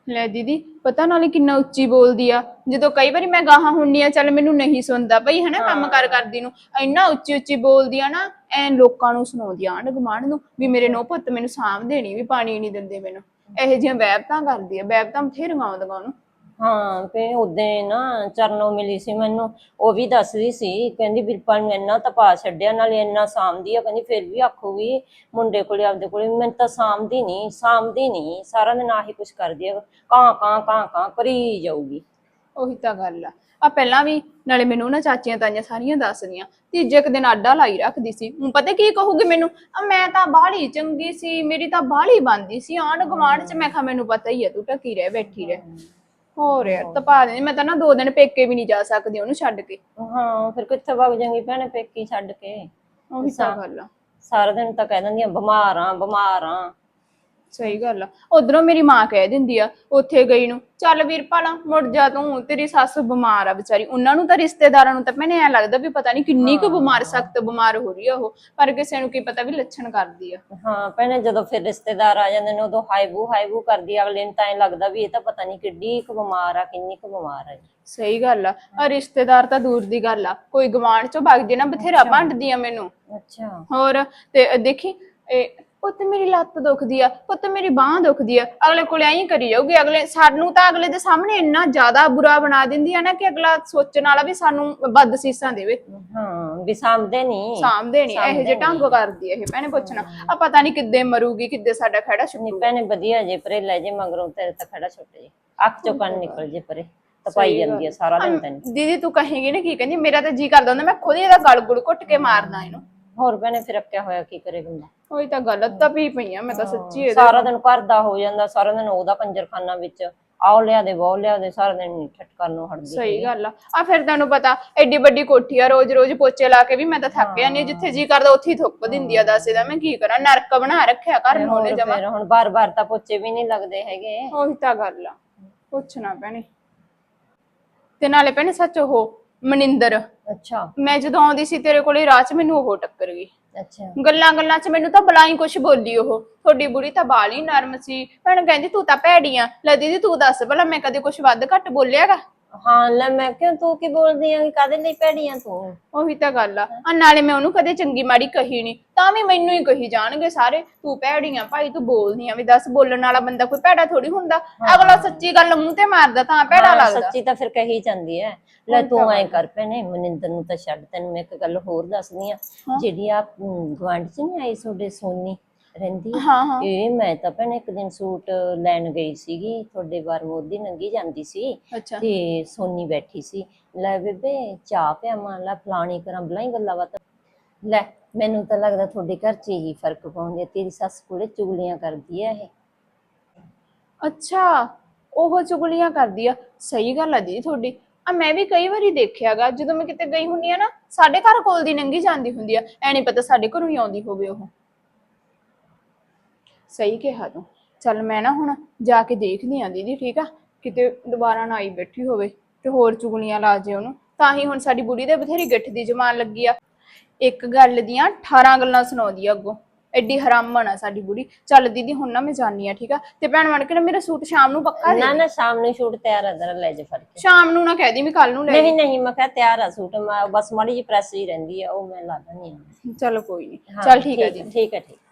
ਲੈ ਦੀਦੀ ਪਤਾ ਨਾਲੇ ਕਿੰਨਾ ਉੱਚੀ ਬੋਲਦੀ ਆ। ਜਦੋਂ ਕਈ ਵਾਰੀ ਮੈਂ ਗਾਹਾਂ ਹੁੰਨੀ ਆ, ਚੱਲ ਮੈਨੂੰ ਨਹੀਂ ਸੁਣਦਾ ਬਈ ਹਨਾ ਕੰਮ ਕਰ ਕਰਦੀ ਨੂੰ, ਇੰਨਾ ਉੱਚੀ ਉੱਚੀ ਬੋਲਦੀ ਆ ਨਾ, ਐ ਲੋਕਾਂ ਨੂੰ ਸੁਣਾਉਂਦੀ ਆ ਆਂਢ ਗੁਆਂਢ ਨੂੰ ਵੀ ਮੇਰੇ ਨੋ ਪੁੱਤ ਮੈਨੂੰ ਸਾਂਭਦੇ ਨੀ, ਵੀ ਪਾਣੀ ਨਹੀਂ ਦਿੰਦੇ ਮੈਨੂੰ। ਇਹੋ ਜਿਹੀਆਂ ਵਹਿਬਤਾਂ ਕਰਦੀ ਆ, ਵਹਿਬਤਾਂ ਬਥੇਰੀਆਂ ਆਉਂਦੀਆਂ ਉਹਨੂੰ।
ਹਾਂ ਤੇ ਉਦੋਂ ਨਾ ਚਰਨੋਂ ਮਿਲੀ ਸੀ ਮੈਨੂੰ, ਉਹ ਵੀ ਦੱਸਦੀ ਸੀ, ਕਹਿੰਦੀ ਵੀਰਪਾਲ ਨੂੰ ਇੰਨਾ ਤਪਾ ਛੱਡਿਆ, ਨਾਲੇ ਇੰਨਾ ਸਾਂਭਦੀ ਆ, ਕਹਿੰਦੀ ਫਿਰ ਵੀ ਆਖੂਗੀ ਮੁੰਡੇ ਕੋਲੇ ਆਪਦੇ ਕੋਲੇ, ਮੈਨੂੰ ਤਾਂ ਸਾਂਭਦੀ ਨਹੀਂ ਸਾਂਭਦੀ ਨਹੀਂ, ਸਾਰਾ ਦਿਨ ਆਹੀ ਕੁਛ ਕਰਦੀ ਆ, ਕਾਂ ਕਾਂ ਕਾਂ ਕਾਂ ਕਰੀ ਜਾਊਗੀ।
ਉਹੀ ਤਾਂ ਗੱਲ ਆ। ਆ ਪਹਿਲਾਂ ਵੀ ਨਾਲੇ ਮੈਨੂੰ ਨਾ ਚਾਚੀਆਂ ਤਾਈਆਂ ਸਾਰੀਆਂ ਦੱਸਦੀਆਂ, ਤੀਜੇ ਕੁ ਦਿਨ ਆਡਾ ਲਾਈ ਰੱਖਦੀ ਸੀ। ਹੁਣ ਪਤਾ ਕੀ ਕਹੂਗੀ ਮੈਨੂੰ, ਆ ਮੈਂ ਤਾਂ ਬਾਹਲੀ ਚੰਗੀ ਸੀ, ਮੇਰੀ ਤਾਂ ਬਾਹਲੀ ਬਣਦੀ ਸੀ ਆਂਢ ਗੁਆਂਢ ਚ। ਮੈਂ ਕਿਹਾ ਮੈਨੂੰ ਪਤਾ ਹੀ ਆ, ਤੂੰ ਟਕੀ ਰਹਿ ਬੈਠੀ ਰਹਿ। ਹੋਰ ਯਾਰ ਤਪਾ ਦੇ, ਮੈਂ ਤਾਂ ਨਾ ਦੋ ਦਿਨ ਪੇਕੇ ਵੀ ਨਹੀਂ ਜਾ ਸਕਦੀ ਉਹਨੂੰ ਛੱਡ ਕੇ।
ਹਾਂ ਫਿਰ ਕਿੱਥੇ ਵਗ ਜਾਂਗੀ ਭੈਣੇ ਪੇਕੀ ਛੱਡ ਕੇ।
ਉਹੀ ਤਾਂ ਗੱਲ ਆ।
ਸਾਰਾ ਦਿਨ ਤਾਂ ਕਹਿ ਦਿੰਦੀਆਂ ਬਿਮਾਰ ਆ ਬਿਮਾਰ ਆ।
ਸਹੀ ਗੱਲ ਆ। ਉਧਰੋਂ ਮੇਰੀ ਮਾਂ ਕਹਿ ਦਿੰਦੀ ਆ ਉੱਥੇ ਗਈ ਨੂੰ, ਚੱਲ ਵੀਰਪਾਲ ਮੁੜ ਜਾ ਤੂੰ, ਤੇਰੀ ਸੱਸ ਬਿਮਾਰ ਆ ਵਿਚਾਰੀ। ਉਹਨਾਂ ਨੂੰ ਤਾਂ ਰਿਸ਼ਤੇਦਾਰਾਂ ਨੂੰ ਤਾਂ ਮੈਨੂੰ ਐ ਲੱਗਦਾ ਵੀ ਪਤਾ ਨਹੀਂ ਕਿੰਨੀ ਕੁ ਬਿਮਾਰ, ਸਖਤ ਬਿਮਾਰ ਹੋ ਰਹੀ ਆ ਉਹ, ਪਰ ਕਿਸੇ ਨੂੰ ਕੀ ਪਤਾ ਵੀ ਲੱਛਣ ਕਰਦੀ ਆ।
ਹਾਂ ਭੈਣੇ ਜਦੋਂ ਫਿਰ ਰਿਸ਼ਤੇਦਾਰ ਆ ਜਾਂਦੇ ਨੇ ਉਦੋਂ ਹਾਈਬੂ ਹਾਈਬੂ ਕਰਦੀ, ਅਗਲੇ ਨੂੰ ਤਾਂ ਐ ਲੱਗਦਾ ਵੀ ਇਹ ਤਾਂ ਪਤਾ ਨਹੀਂ ਕਿੱਡੀ ਕੁ ਬਿਮਾਰ ਆ, ਕਿੰਨੀ ਕੁ ਬਿਮਾਰ ਆ।
ਸਹੀ ਗੱਲ ਆ। ਆ ਰਿਸ਼ਤੇਦਾਰ ਤਾਂ ਦੂਰ ਦੀ ਗੱਲ ਆ, ਕੋਈ ਗਵਾਂਢ ਚੋਂ ਵਗ ਜੇ ਨਾ ਬਥੇਰਾ ਭੰਡਦੀ ਆ ਮੈਨੂੰ।
ਅੱਛਾ
ਹੋਰ ਤੇ ਦੇਖੀ ਇਹ ਪੁੱਤ ਮੇਰੀ ਲੱਤ ਦੁਖਦੀ ਆ, ਪੁੱਤ ਮੇਰੀ ਬਾਂਹ ਦੁਖਦੀ ਆ, ਅਗਲੇ ਕੋਲੇ ਐਂ ਕਰੀ ਜਾਊਗੀ। ਅਗਲੇ ਸਾਨੂੰ ਤਾਂ ਅਗਲੇ ਦੇ ਸਾਹਮਣੇ ਇੰਨਾ ਜ਼ਿਆਦਾ ਬੁਰਾ ਬਣਾ ਦਿੰਦੀ ਆ ਨਾ ਕਿ ਅਗਲਾ ਸੋਚਣ ਵਾਲਾ ਵੀ ਸਾਨੂੰ ਵੱਧ ਸੀਸਾਂ ਦੇਵੇ।
ਹਾਂ ਵੀ ਸਾਂਭਦੇ ਨਹੀਂ
ਸਾਂਭਦੇ ਨਹੀਂ, ਇਹੋ ਜਿਹੇ ਢੰਗ ਕਰਦੀ ਇਹ ਭੈਣੇ। ਪੁੱਛਣਾ ਆ ਪਤਾ ਨਹੀਂ ਕਿੱਦੇ ਮਰੂਗੀ, ਕਿੱਦੇ ਸਾਡਾ ਖੜਾ
ਨਹੀਂ
ਛੁੱਟੂ।
ਭੈਣੇ ਵਧੀਆ ਜੇ ਪਰੇ ਲੈ ਜੇ ਮਗਰੋਂ ਤੇਰੇ ਤਾਂ ਖੜਾ ਛੁੱਟ ਜੇ, ਅੱਖ ਚੋਂ ਕੰਨ ਨਿਕਲ ਜੇ ਪਰੇ, ਤਪਾਈ ਜਾਂਦੀ ਆ ਸਾਰਾ ਦਿਨ ਤੈਨੂੰ।
ਦੀਦੀ ਤੂੰ ਕਹੇਗੀ ਨਾ ਕੀ ਕਹਿੰਦੀ, ਮੇਰਾ ਤਾਂ ਜੀ ਕਰਦਾ ਹੁੰਦਾ ਮੈਂ ਖੁਦ ਹੀ ਇਹਦਾ ਗਲ ਗੁੜ ਘੁੱਟ ਕੇ ਮਾਰਦਾ ਇਹਨੂੰ।
ਹੋਰ ਭੈਣੇ ਫਿਰ ਅੱਕਿਆ ਹੋਇਆ ਕੀ ਕਰੇ ਬੰਦਾ।
ਉਹੀ ਤਾਂ ਗੱਲ ਤਪੀ ਪਈ ਆ ਮੈਂ ਤਾਂ ਸੱਚੀ ਇਹਦੇ।
ਸਾਰਾ ਦਿਨ ਘਰ ਦਾ ਹੋ ਜਾਂਦਾ, ਸਾਰਾ ਦਿਨ ਉਹਦਾ ਕੰਜਰਖਾਨਾ ਵਿੱਚ ਆਓ ਲਿਆ ਦੇ ਬਹੁ ਲਿਆ ਦੇ, ਸਾਰਾ ਦਿਨ ਠਟਕਣ ਨੂੰ ਹਟਦੀ।
ਸਹੀ ਗੱਲ ਆ। ਆ ਫਿਰ ਤੈਨੂੰ ਪਤਾ ਐਡੀ ਵੱਡੀ ਕੋਠੀ ਆ, ਰੋਜ਼ ਰੋਜ਼ ਪੋਚੇ ਲਾ ਕੇ ਵੀ ਮੈਂ ਤਾਂ ਥੱਕ ਜਾਂਦੀ, ਜਿੱਥੇ ਜੀ ਕਰਦਾ ਉੱਥੇ ਹੀ ਥੁੱਕ ਦਿੰਦੀ ਆ। ਦੱਸ ਇਹਦਾ ਮੈਂ ਕੀ ਕਰਾਂ, ਨਰਕ ਬਣਾ ਰੱਖਿਆ ਘਰ ਨੂੰ ਉਹਨੇ ਜਮਾ।
ਫਿਰ ਹੁਣ ਬਾਰ ਬਾਰ ਤਾਂ ਪੋਚੇ ਵੀ ਨਹੀਂ ਲੱਗਦੇ ਹੈਗੇ।
ਉਹੀ ਤਾਂ ਗੱਲ ਆ, ਪੁੱਛਣਾ ਪੈਣੀ। ਤੇ ਨਾਲੇ ਭੈਣੇ ਸੱਚ ਉਹ ਮਨਿੰਦਰ,
ਅੱਛਾ
ਮੈਂ ਜਦੋਂ ਆਉਂਦੀ ਸੀ ਤੇਰੇ ਕੋਲੇ ਰਾਹ ਚ ਮੈਨੂੰ ਉਹ ਟੱਕਰ ਗਈ।
ਅੱਛਾ
ਗੱਲਾਂ ਗੱਲਾਂ ਚ ਮੈਨੂੰ ਤਾਂ ਬਲਾਈ ਕੁਛ ਬੋਲੀ ਉਹ, ਤੁਹਾਡੀ ਬੁੜੀ ਤਾਂ ਬਾਲੀ ਨਰਮ ਸੀ। ਭੈਣ ਕਹਿੰਦੀ ਤੂੰ ਤਾਂ ਭੈੜੀ ਆ। ਲੈ ਦੀਦੀ ਤੂੰ ਦੱਸ ਭਲਾ ਮੈਂ ਕਦੇ ਕੁਛ ਵੱਧ ਘੱਟ ਬੋਲਿਆਗਾ?
ਹਾਂ ਲੈ ਮੈਂ ਕਿਉਂ, ਤੂੰ ਕੀ ਬੋਲਦੀ ਆਂ, ਕਾਹਦੇ ਲਈ ਭੈੜੀ ਆਂ ਤੂੰ?
ਉਹੀ ਤਾਂ ਗੱਲ ਆ। ਆ ਨਾਲੇ ਮੈਂ ਉਹਨੂੰ ਕਦੇ ਚੰਗੀ ਮਾੜੀ ਕਹੀ ਨਹੀਂ, ਤਾਂ ਵੀ ਮੈਨੂੰ ਹੀ ਕਹੀ ਜਾਣਗੇ ਸਾਰੇ ਤੂੰ ਭੈੜੀ ਆ ਭਾਈ, ਤੂੰ ਬੋਲਦੀ ਆ। ਵੀ ਦੱਸ ਬੋਲਣ ਵਾਲਾ ਬੰਦਾ ਕੋਈ ਭੈੜਾ ਥੋੜੀ ਹੁੰਦਾ, ਅਗਲਾ ਸੱਚੀ ਗੱਲ ਮੂੰਹ ਤੇ ਮਾਰਦਾ ਤਾਂ ਭੈੜਾ ਲੱਗਦਾ।
ਸੱਚੀ ਤਾਂ ਫਿਰ ਕਹੀ ਜਾਂਦੀ ਐ। ਲੈ ਤੂੰ ਐ ਕਰ ਭੈਣੇ, ਮਨਿੰਦਰ ਨੂੰ ਤਾਂ ਛੱਡ, ਤੈਨੂੰ ਮੈਂ ਇੱਕ ਗੱਲ ਹੋਰ ਦੱਸਦੀ ਆ। ਜਿਹੜੀ ਆ ਗੁਆਂਢ ਚ ਨੀ ਆਈ ਤੁਹਾਡੇ ਸੋਨੀ ਰਹਿੰਦੀ, ਇਹ ਮੈਂ ਤਾਂ ਭੈਣੇ ਇੱਕ ਦਿਨ ਸੂਟ ਲੈਣ ਗਈ ਸੀਗੀ, ਤੁਹਾਡੇ ਬਾਰ ਉਹਦੀ ਨੰਗੀ ਜਾਂਦੀ ਸੀ ਤੇ ਸੋਨੀ ਬੈਠੀ ਸੀ। ਲੈ ਬੇਬੇ ਚਾਹ ਪਿਆਵਾਂ, ਲੈ ਫਲਾਣੀ ਕਰਾਂ, ਬਲਾਈ ਗੱਲਾਂ ਬਾਤਾਂ। ਲੈ ਮੈਨੂੰ ਤਾਂ ਲੱਗਦਾ ਤੁਹਾਡੇ ਘਰ ਚ ਹੀ ਫਰਕ ਪਾਉਂਦੀ ਆ, ਤੇਰੀ ਸੱਸ ਕੋਲੇ ਚੁਗਲੀਆਂ ਕਰਦੀ ਆ ਇਹ।
ਅੱਛਾ ਉਹ ਚੁਗਲੀਆਂ ਕਰਦੀ ਆ। ਸਹੀ ਗੱਲ ਆ ਦੀਦੀ ਤੁਹਾਡੀ। ਆ ਮੈਂ ਵੀ ਕਈ ਵਾਰੀ ਦੇਖਿਆਗਾ, ਜਦੋਂ ਮੈਂ ਕਿਤੇ ਗਈ ਹੁੰਦੀ ਆ ਨਾ, ਸਾਡੇ ਘਰ ਕੋਲ ਦੀ ਨੰਗੀ ਜਾਂਦੀ ਹੁੰਦੀ ਆ, ਐ ਨੀ ਪਤਾ ਸਾਡੇ ਘਰੋਂ ਹੀ ਆਉਂਦੀ ਹੋਵੇ ਉਹ। ਸਹੀ ਕਿਹਾ ਤੂੰ। ਚੱਲ ਮੈਂ ਨਾ ਹੁਣ ਜਾ ਕੇ ਦੇਖਦੀ ਆ ਦੀਦੀ, ਠੀਕ ਆ, ਕਿਤੇ ਦੁਬਾਰਾ ਨਾ ਆਈ ਬੈਠੀ ਹੋਵੇ ਤੇ ਹੋਰ ਚੁਗਲੀਆਂ ਲਾ ਜੇ ਉਹਨੂੰ। ਤਾਂ ਹੀ ਹੁਣ ਸਾਡੀ ਬੁੜੀ ਦੇ ਬਥੇਰੀ ਗਿੱਠ ਦੀ ਜਮਾਨ ਲੱਗੀ ਆ, ਇੱਕ ਗੱਲ ਦੀਆਂ ਅਠਾਰਾਂ ਗੱਲਾਂ ਸੁਣਾਉਂਦੀ ਆ ਅੱਗੋਂ। ਐਡੀ ਹਰਾਮਣ ਆ ਸਾਡੀ ਬੁੜੀ। ਚੱਲ ਦੀਦੀ ਹੁਣ ਨਾ ਮੈਂ ਜਾਣੀ ਆ, ਠੀਕ ਆ। ਤੇ ਭੈਣ ਬਣ ਕੇ ਨਾ ਮੇਰਾ ਸੂਟ ਸ਼ਾਮ ਨੂੰ ਪੱਕਾ ਦੇ।
ਨਾ ਨਾ ਸ਼ਾਮ ਨੂੰ ਸੂਟ ਤਿਆਰ ਆ, ਜਰਾ ਲੈ ਜਾ ਫੜ ਕੇ।
ਸ਼ਾਮ ਨੂੰ ਨਾ ਕਹਿ ਦੀ ਵੀ ਕੱਲ ਨੂੰ ਲੈ।
ਨਹੀਂ ਨਹੀਂ ਮੈਂ ਕਿਹਾ ਤਿਆਰ ਆ ਸੂਟ, ਮੈਂ ਬਸ ਮਾੜੀ ਜਿਹੀ ਪ੍ਰੈਸ ਹੀ ਰਹਿੰਦੀ ਆ, ਉਹ ਮੈਂ ਲਾ ਦਿੰਦੀ ਆ।
ਚਲੋ ਕੋਈ ਨਹੀਂ, ਚੱਲ ਠੀਕ ਆ ਜੀ।
ਠੀਕ ਹੈ ਠੀਕ।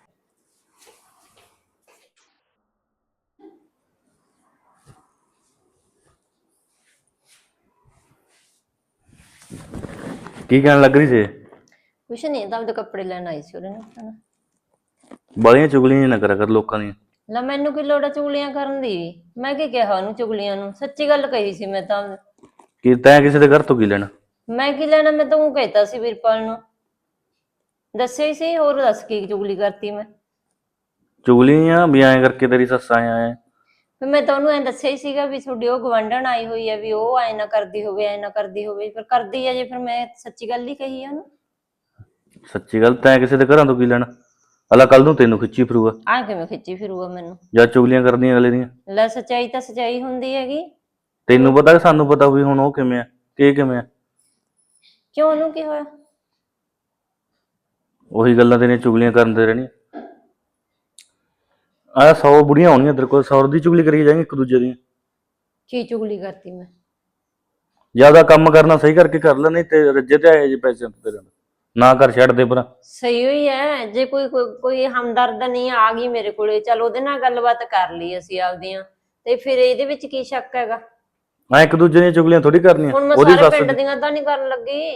ਕੀ ਕਹਿਣ ਲੱਗ ਰਹੀ ਸੀ?
ਕੁਛ ਨਹੀਂ, ਤਾਂ ਉਹਦੇ ਕੱਪੜੇ ਲੈਣ ਆਈ ਸੀ ਉਹਦੇ ਨਾਲ।
ਬਾਲੀਆਂ ਚੁਗਲੀਆਂ ਨਾ ਕਰਿਆ ਕਰ ਲੋਕਾਂ ਦੀਆਂ।
ਲੈ ਮੈਨੂੰ ਕੀ ਲੋੜ ਆ ਚੁਗਲੀਆਂ ਕਰਨ ਦੀ? ਮੈਂ ਕੀ ਕਿਹਾ ਉਹਨੂੰ ਚੁਗਲੀਆਂ ਨੂੰ? ਸੱਚੀ ਗੱਲ ਕਹੀ ਸੀ ਮੈਂ ਤਾਂ।
ਕੀ ਤੈਂ ਕਿਸੇ ਦੇ ਘਰ ਤੋਂ ਕੀ ਲੈਣਾ?
ਮੈਂ ਕੀ ਲੈਣਾ, ਮੈਂ ਤਾਂ ਉਹ ਕਹਿਤਾ ਸੀ ਵੀਰਪਾਲ ਨੂੰ, ਦੱਸਿਆ ਹੀ ਸੀ। ਹੋਰ ਦੱਸ ਕੀ ਚੁਗਲੀ ਕਰਤੀ ਮੈਂ?
ਚੁਗਲੀਆਂ ਵੀ ਐਂ ਕਰਕੇ ਤੇਰੀ ਸੱਸ ਆਇਆ ਐ।
ਫਿਰ ਮੈਂ ਤਾਂ ਉਹਨੂੰ ਐਂ ਦੱਸਿਆ ਹੀ ਸੀਗਾ ਵੀ ਤੁਹਾਡੀ ਉਹ ਗਵਾਂਢਣ ਆਈ ਹੋਈ ਹੈ, ਵੀ ਉਹ ਐ ਨਾ ਕਰਦੀ ਹੋਵੇ, ਐ ਨਾ ਕਰਦੀ ਹੋਵੇ। ਫਿਰ ਕਰਦੀ ਆ ਜੇ, ਫਿਰ ਮੈਂ ਸੱਚੀ ਗੱਲ ਹੀ ਕਹੀ ਆ ਉਹਨੂੰ।
ਸੱਚੀ ਗੱਲ, ਤੈਂ ਕਿਸੇ ਦੇ ਘਰਾਂ ਤੋਂ ਕੀ ਲੈਣਾ? ਅਲਾ ਕੱਲ ਨੂੰ ਤੈਨੂੰ ਖਿੱਚੀ ਫਿਰੂਗਾ।
ਆ ਕਿਵੇਂ ਖਿੱਚੀ ਫਿਰੂਗਾ ਮੈਨੂੰ?
ਜਾਂ ਚੁਗਲੀਆਂ ਕਰਦੀਆਂ ਅਗਲੇ ਦੀਆਂ।
ਲੈ ਸੱਚਾਈ ਤਾਂ ਸੱਚਾਈ ਹੁੰਦੀ ਹੈਗੀ।
ਤੈਨੂੰ ਪਤਾ ਕਿ ਸਾਨੂੰ ਪਤਾ ਵੀ ਹੁਣ ਉਹ ਕਿਵੇਂ ਆ, ਕਿ ਕਿਵੇਂ ਆ?
ਕਿਉਂ, ਉਹਨੂੰ ਕੀ ਹੋਇਆ?
ਉਹੀ ਗੱਲਾਂ ਤੇਰੀਆਂ ਚੁਗਲੀਆਂ ਕਰਨ ਦੇ ਰਹਿਣੀਆਂ। ਆ ਸੌ ਬੁੜੀਆਂ ਹੋਣੀਆਂ ਤੇਰੇ ਕੋਲ, ਸੌ ਦੀ ਚੁਗਲੀ ਕਰੀ ਜਾਏਗੀ ਇੱਕ ਦੂਜੇ ਦੀ।
ਕੀ ਚੁਗਲੀ ਕਰਤੀ ਮੈਂ?
ਜਿਆਦਾ ਕੰਮ ਕਰਨਾ ਸਹੀ ਕਰਕੇ ਕਰ ਲੈ, ਨਹੀਂ ਤੇ ਰੱਜੇ ਤੇ ਆਏ ਜੇ ਪੈਸੇ ਤੇਰੇ ਨਾਲ। ਨਾ ਕਰ, ਛੱਡ ਦੇ ਪਰਾਂ।
ਸਹੀ ਹੋਈ ਹੈ, ਜੇ ਕੋਈ ਕੋਈ ਕੋਈ ਹਮਦਰਦ ਨਹੀਂ ਆ ਗਈ ਮੇਰੇ ਕੋਲੇ, ਚਲ ਉਹਦੇ ਨਾਲ ਗੱਲਬਾਤ ਕਰ ਲਈ ਅਸੀਂ ਆਪਦੀਆਂ, ਤੇ ਫਿਰ ਇਹਦੇ ਵਿੱਚ ਕੀ ਸ਼ੱਕ ਹੈਗਾ?
ਮੈਂ ਇੱਕ ਦੂਜੇ ਦੀਆਂ ਚੁਗਲੀਆਂ ਥੋੜੀ ਕਰਨੀਆਂ।
ਹੁਣ ਮੈਂ
ਉਹਦੀ
ਸਾਰੇ
ਸੱਸ
ਪਿੰਡ
ਦੀ-
ਦੀਆਂ ਤਾਂ ਨਹੀਂ ਕਰਨ ਲੱਗੀ।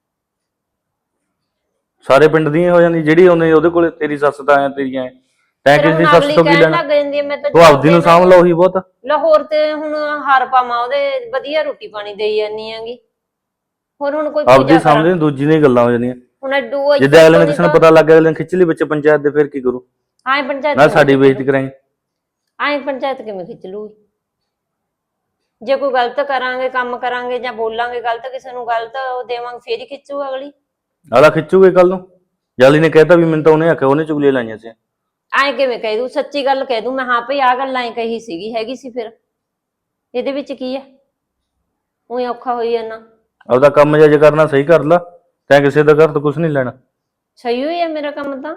ਸਾਰੇ ਪਿੰਡ ਦੀਆਂ ਹੋ ਜਾਂਦੀ, ਜਿਹੜੀ ਉਹਨੇ ਉਹਦੇ ਕੋਲੇ ਤੇਰੀ ਸੱਸ ਤਾਂ ਐ ਤੇਰੀਆਂ ਐ, ਤੈਂ
ਫਿਰ
ਕਿਸੇ ਦੀ
ਹੁਣ
ਸੱਸ
ਅਗਲੀ
ਤੋਂ ਕੀ
ਕਹਿਣ
ਲੈਣਾ?
ਲੱਗ ਜਾਂਦੀ ਹੈ ਮੈਂ ਤਾਂ
ਤੂੰ ਆਪਦੀ ਨੂੰ ਸਾਂਭ ਲਾ, ਉਹੀ ਬਹੁਤ ਆ।
ਲਾਹੌਰ ਤੇ ਹੁਣ ਹਾਰ ਪਾਵਾਂ ਉਹਦੇ, ਵਧੀਆ ਰੋਟੀ ਪਾਣੀ ਦੇਈ ਜਾਂਦੀ ਆਂਗੀ। ਹੋਰ ਹੁਣ ਕੋਈ
ਆਪਦੀ
ਪੂਜਾ
ਸਾਹਮਣੇ
ਕਰਾਂ?
ਦੂਜੀ ਦੀਆਂ ਗੱਲਾਂ ਹੋ ਜਾਂਦੀਆਂ।
ਹੁਣ ਐਡੂ
ਜਿੱਦਾਂ ਅਗਲੇ ਨੇ ਕਿਸੇ ਨੂੰ ਪਤਾ ਲੱਗ ਗਿਆ, ਅਗਲੇ ਨੇ ਖਿੱਚ ਲਈ ਵਿੱਚ ਪੰਚਾਇਤ ਦੇ, ਫਿਰ ਕੀ ਕਰੂ?
ਆਏ ਪੰਚਾਇਤ
ਨਾ ਸਾਡੀ ਬੇਇੱਜ਼ਤੀ ਕਰਾਈ।
ਆਏ ਪੰਚਾਇਤ ਕਿਵੇਂ ਖਿੱਚ ਲੂਗੀ? ਜੇ ਕੋਈ ਗਲਤ ਕਰਾਂਗੇ, ਕੰਮ ਕਰਾਂਗੇ ਜਾਂ ਬੋਲਾਂਗੇ ਗਲਤ ਕਿਸੇ ਨੂੰ, ਗਲਤ ਉਹ ਦੇਵਾਂਗੇ, ਫੇਰ ਹੀ ਖਿੱਚੂ ਅਗਲੀ।
ਅਗਲਾ ਖਿੱਚੂਗੇ ਕੱਲ ਨੂੰ। ਜਾਲੀ ਨੇ ਕਹਿਤਾ ਵੀ ਮੈਨੂੰ ਤਾਂ ਉਹਨੇ ਆਖਿਆ, ਉਹਨੇ ਚੁਗਲੀਆਂ ਲਾਈਆਂ ਸੀ।
ਆਏ ਕਿਵੇਂ ਕਹਿ ਦੂ? ਸੱਚੀ ਗੱਲ ਕਹਿ ਦੂ ਮੈਂ, ਹਾਂ ਭਈ ਆਹ ਗੱਲਾਂ ਹੀ ਕਹੀ ਸੀਗੀ, ਹੈਗੀ ਸੀ, ਫਿਰ ਇਹਦੇ ਵਿੱਚ ਕੀ ਹੈ? ਉਹੀ ਔਖਾ ਹੋਈ ਜਾਂਦਾ।
ਆਪਦਾ ਕੰਮ ਜੇ ਕਰਨਾ ਸਹੀ ਕਰ ਲਾ, ਤੈਂ ਕਿਸੇ ਦਾ ਘਰ ਤੋਂ ਕੁਝ ਨਹੀਂ ਲੈਣਾ।
ਸਹੀ ਹੋਈ ਹੈ ਮੇਰਾ ਕੰਮ ਤਾਂ।